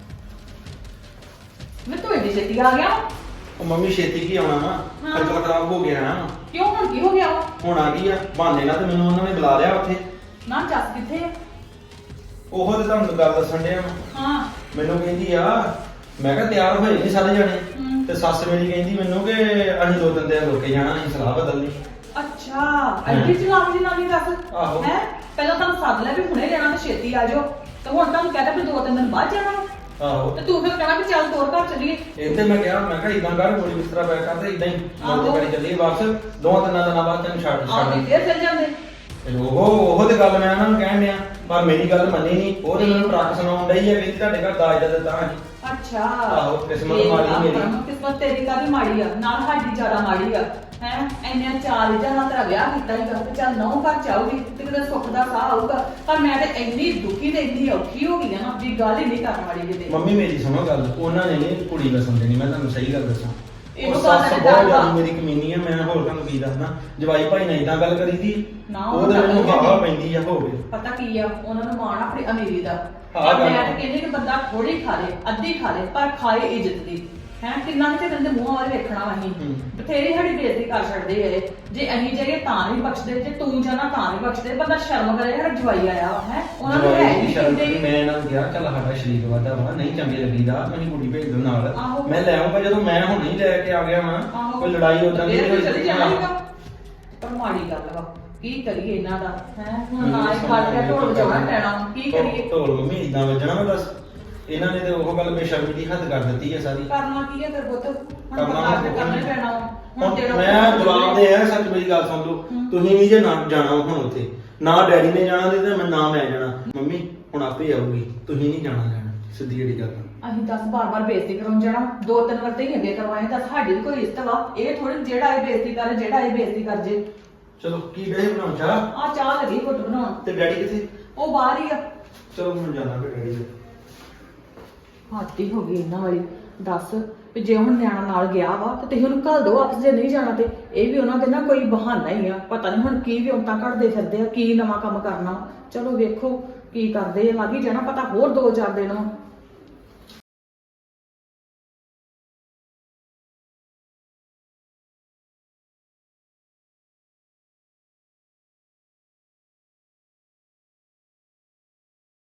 ਮੈਂ ਤੂੰ ਇਹਦੀ ਛੇਤੀ ਆ ਗਿਆ।
ਉਹ ਮੰਮੀ ਛੇਤੀ ਕੀ ਆਉਣਾ ਵਾ, ਖਰਚਾ ਖਰਾਬ ਹੋ ਗਿਆ ਨਾ।
ਕਿਉਂ ਹੁਣ ਕੀ ਹੋ ਗਿਆ ਵਾ?
ਹੁਣ ਆ ਗਈ ਆ ਬਹਾਨੇ ਨਾਲ, ਤੇ ਮੈਨੂੰ ਉਹਨਾਂ ਨੇ ਬੁਲਾ ਲਿਆ ਉੱਥੇ।
ਨਾ ਜੱਸ ਕਿੱਥੇ ਆ?
ਉਹ ਤੇ ਤੁਹਾਨੂੰ ਗੱਲ ਦੱਸਣ ਡਿਆ ਵਾਂ।
ਹਾਂ
ਮੈਨੂੰ ਕਹਿੰਦੀ ਆ, ਮੈਂ ਕਿਹਾ ਤਿਆਰ ਹੋਏ ਨਹੀਂ ਸਾਰੇ ਜਾਣੇ, ਤੇ ਸੱਸ ਮੇਰੀ ਕਹਿੰਦੀ ਮੈਨੂੰ ਕਿ ਅਸੀਂ 2-3 ਦਿਨ ਰੁਕ ਕੇ ਜਾਣਾ, ਅਸੀਂ ਸਲਾਹ ਬਦਲਣੀ।
ਅੱਛਾ ਐਡੀ ਚਲਾਕ ਦੀ ਨਾਲੀ ਦੱਸ
ਆਹੋ।
ਹੈ। ਪਹਿਲਾਂ ਤੁਹਾਨੂੰ ਸੱਦ ਲਿਆ ਵੀ ਹੁਣੇ ਜਾਣਾ ਤੇ ਛੇਤੀ ਆ ਜਾਓ, ਤੇ ਹੁਣ ਤੁਹਾਨੂੰ ਕਹਿੰਦਾ ਵੀ 2-3 ਦਿਨ ਬਾਅਦ ਜਾਣਾ।
ਆਹੋ,
ਤੇ ਤੂੰ ਫਿਰ ਕਹਿਣਾ ਵੀ ਚੱਲ ਤੋਰ ਘਰ ਚੱਲੀਏ।
ਇੱਥੇ ਮੈਂ ਕਿਹਾ ਇਦਾਂ ਕਰ, ਗੋਲੀ ਬਿਸਤਰਾ ਪੈਕ ਕਰ ਤੇ ਇਦਾਂ ਹੀ ਮੋਟੇ ਗਾੜੀ ਚੱਲੀਏ ਵਾਪਸ। 2-3 ਦਿਨਾਂ ਬਾਅਦ ਤੈਨੂੰ ਛੱਡ
ਆਹ ਤੇ ਫੇਰ ਚੱਲ ਜਾਂਦੇ।
ਤੇ ਉਹ ਤੇ ਗੱਲ ਮੈਂ ਉਹਨਾਂ ਨੂੰ ਕਹਿਣ ਡਿਆ, ਪਰ ਮੇਰੀ ਗੱਲ ਮੰਨੀ ਨਹੀਂ। ਉਹ ਤੇ ਮੈਨੂੰ ਟਰੱਕ ਸੁਣਾਉਣ ਡਈ ਹੈ, ਕਹਿੰਦੀ ਤੁਹਾਡੇ ਘਰ ਦਾਜ ਦਾ ਦਿੱਤਾ ਅਸੀਂ।
ਅੱਛਾ
ਆਹੋ, ਕਿਸਮਤ ਮਾੜੀ ਮੇਰੀ।
ਕਿਸਮਤ ਤੇਰੀ ਕਾਹਦੀ ਮਾੜੀ ਆ, ਨਾਲ ਸਾਡੀ ਜ਼ਿਆਦਾ ਮਾੜੀ ਆ। ਹੈ ਇੰਨੇ 4 ਨਾਲ ਤੇਰਾ ਵਿਆਹ ਕੀਤਾ ਸੀਗਾ ਤੇ ਚੱਲ 9 ਘਰ ਚਾਹੂਗੀ ਤੇ ਕਿਤੇ ਸੁੱਖ ਦਾ ਸਾਹ ਆਊਗਾ। ਪਰ ਮੈਂ ਤੇ ਇੰਨੀ ਦੁਖੀ ਤੇ ਇੰਨੀ ਔਖੀ ਹੋ ਗਈ ਆ ਨਾ, ਵੀ ਗੱਲ ਹੀ ਨਹੀਂ ਕਰਨ ਵਾਲੀ ਕਿਤੇ।
ਮੰਮੀ ਮੇਰੀ ਸੁਣੋ ਗੱਲ, ਉਹਨਾਂ ਨੇ ਨੀ ਕੁੜੀ ਵਸਣ ਦੇਣੀ, ਮੈਂ ਤੁਹਾਨੂੰ ਸਹੀ ਗੱਲ ਦੱਸਾਂ।
ਇਹਨੂੰ
ਉਹ
ਗੱਲ
ਸੱਸ
ਤੇ
ਬਹੁਤ
ਡਰ ਵਾ।
ਜ਼ਿਆਦਾ ਮੇਰੀ ਕਮੀਨੀ ਆ, ਮੈਂ ਹੋਰ ਤੁਹਾਨੂੰ ਕੀ ਦੱਸਣਾ। ਜਵਾਈ ਭਾਈ ਨੇ ਇਦਾਂ ਗੱਲ ਕਰੀ ਦੀ,
ਨਾ,
ਉਹ ਤੇ ਮੈਨੂੰ
ਉਹ
ਹਵਾ ਪੈਂਦੀ ਆ ਹੋਵੇ।
ਪਤਾ ਕੀ ਆ, ਉਹਨਾਂ ਨੂੰ ਮਾਣ ਆਪਣੀ ਅਮੀਰੀ ਦਾ।
ਹਾਂ, ਗੱਲ
ਮੈਂ
ਆ।
ਤਾਂ ਕਹਿੰਦੀ ਕਿ ਬੰਦਾ ਥੋੜੀ ਖਾ ਲੇ, ਅੱਧੀ ਖਾ ਲੇ, ਪਰ ਖਾਏ ਇੱਜ਼ਤ ਦੀ। ਹੈ ਕਿੰਨਾ ਕਿ ਬੰਦੇ ਮੂੰਹ ਵੱਲ ਵੇਖਣਾ ਵਾ ਅਸੀਂ। ਬਥੇਰੀ ਸਾਡੀ ਬੇਇੱਜ਼ਤੀ ਕਰ ਛੱਡਦੇ ਐ। ਜੇ ਅਸੀਂ ਜਾਈਏ ਤਾਂ ਨਹੀਂ ਬਖਸ਼ਦੇ, ਜੇ ਤੂੰ ਜਾਣਾ ਤਾਂ ਨਹੀਂ ਬਖਸ਼ਦੇ। ਬੰਦਾ ਸ਼ਰਮ ਕਰੇ, ਸਾਡਾ ਜਵਾਈ ਆਇਆ ਹੈ, ਉਹਨਾਂ ਨੂੰ ਹੈ ਨਹੀਂ ਕਹਿੰਦੇ।
ਮੈਂ ਇਹਨਾਂ ਨੂੰ ਕਿਹਾ ਚੱਲ ਸਾਡਾ ਸ਼ਰੀਕ ਵਾਦਾ ਵਾ, ਨਹੀਂ ਚੰਗੇ ਲੱਗੀਦਾ, ਮੈਨੂੰ ਕੁੜੀ ਭੇਜ ਦੋ ਨਾਲ।
ਆਹੋ।
ਮੈਂ ਲੈ ਆਉਂਗਾ, ਜਦੋਂ ਮੈਂ ਹੁਣ ਨਹੀਂ ਲੈ ਕੇ ਆ ਗਿਆ ਵਾਂ।
ਆਹੋ।
ਕੋਈ ਲੜਾਈ ਉਦਾਂ ਦੀ
ਫੇਰ
ਨਹੀਂ
ਤਾਂ ਚਲੀ
ਹੋਈ।
ਜਾਏਗਾ। ਪਰ ਮਾੜੀ ਗੱਲ ਵਾ, ਕੀ ਕਰੀਏ ਇਹਨਾਂ ਦਾ ਹੈ। ਹੁਣ ਨਾ ਇਹ ਫੜ ਕੇ ਢੋਲ ਵਜਾਉਣਾ ਪੈਣਾ, ਕੀ ਕਰੀਏ।
ਢੋਲ ਮੰਮੀ ਇਦਾਂ ਵੱਜਣਾ ਵਾ ਦੱਸ। ਇਹਨਾਂ ਨੇ ਤੇ ਉਹ ਗੱਲ ਬੇਸ਼ਰਮੀ ਦੀ ਹੱਦ ਕਰ ਦਿੱਤੀ ਹੈ ਸਾਰੀ।
ਕਰਨਾ ਕੀ ਹੈ ਫਿਰ ਪੁੱਤ, ਹੁਣ
ਕਰਨਾ
ਬਤਾ ਕੇ ਕਰਨਾ ਹੀ ਪੈਣਾ ਵਾ। ਹੁਣ ਜਿਹੜਾ
ਮੈਂ ਜਵਾਬ ਦੇ ਆ, ਸੱਚ ਮੇਰੀ ਗੱਲ ਸੁਣ ਲਓ। ਤੁਸੀਂ ਵੀ ਜੇ ਨਾ ਜਾਣਾ ਹੁਣ ਉੱਥੇ, ਨਾ ਡੈਡੀ ਨੇ ਜਾਣਾ ਤੇ ਮੈਂ ਨਾ ਮੈਂ ਜਾਣਾ। ਮੰਮੀ ਹੁਣ ਆਪੇ ਆਊਗੀ, ਤੁਸੀਂ ਨਹੀਂ ਜਾਣਾ ਲੈਣਾ, ਸਿੱਧੀ ਜਿਹੜੀ ਗੱਲ ਆ।
ਅਸੀਂ 10 ਬਾਰ-ਬਾਰ ਬੇਇੱਜ਼ਤੀ ਕਰਾਉਣ ਜਾਣਾ, 2-3 ਵਾਰ ਤੇ ਹੀ ਅੱਗੇ ਕਰਵਾਏ ਤਾਂ ਸਾਡੀ ਵੀ ਕੋਈ ਇੱਜ਼ਤ ਵਾ। ਇਹ ਥੋੜੀ ਜਿਹੜਾ ਇਹ ਬੇਇੱਜ਼ਤੀ ਕਰੇ, ਜਿਹੜਾ ਇਹ ਬੇਇੱਜ਼ਤੀ ਕਰ ਜੇ।
ਚਲੋ ਕੀ ਡੇ ਬਣਾਉਂ ਚਾਹ?
ਆ ਚਾਹ ਲੱਗੀ ਘੁੱਟ ਬਣਾਉਣ।
ਤੇ ਡੈਡੀ ਕਿੱਥੇ?
ਉਹ ਬਾਹਰ ਹੀ ਆ।
ਚਲੋ ਮੈਂ ਜਾਣਾ ਫਿਰ ਡੈਡੀ ਦੇ।
ਹੱਦ ਹੀ ਹੋ ਗਈ ਇਹਨਾਂ ਵਾਲੀ। ਦੱਸ ਵੀ ਜੇ ਹੁਣ ਨਿਆਣਾ ਨਾਲ ਗਿਆ ਵਾ ਤੇ ਤੁਸੀਂ ਉਹਨੂੰ ਘੱਲ ਦਿਓ ਆਪਸ ਜੇ ਨਹੀਂ ਜਾਣਾ ਤੇ ਇਹ ਵੀ ਉਹਨਾਂ ਦੇ ਨਾ ਕੋਈ ਬਹਾਨਾ ਹੀ ਆ। ਪਤਾ ਨਹੀਂ ਹੁਣ ਕੀ ਵਿਉਂਤਾਂ ਘੜਦੇ ਫਿਰਦੇ ਆ, ਕੀ ਨਵਾਂ ਕੰਮ ਕਰਨਾ। ਚਲੋ ਵੇਖੋ ਕੀ ਕਰਦੇ ਆ, ਲੱਗ ਹੀ ਜਾਣਾ ਪਤਾ ਹੋਰ 2-4 ਦਿਨ।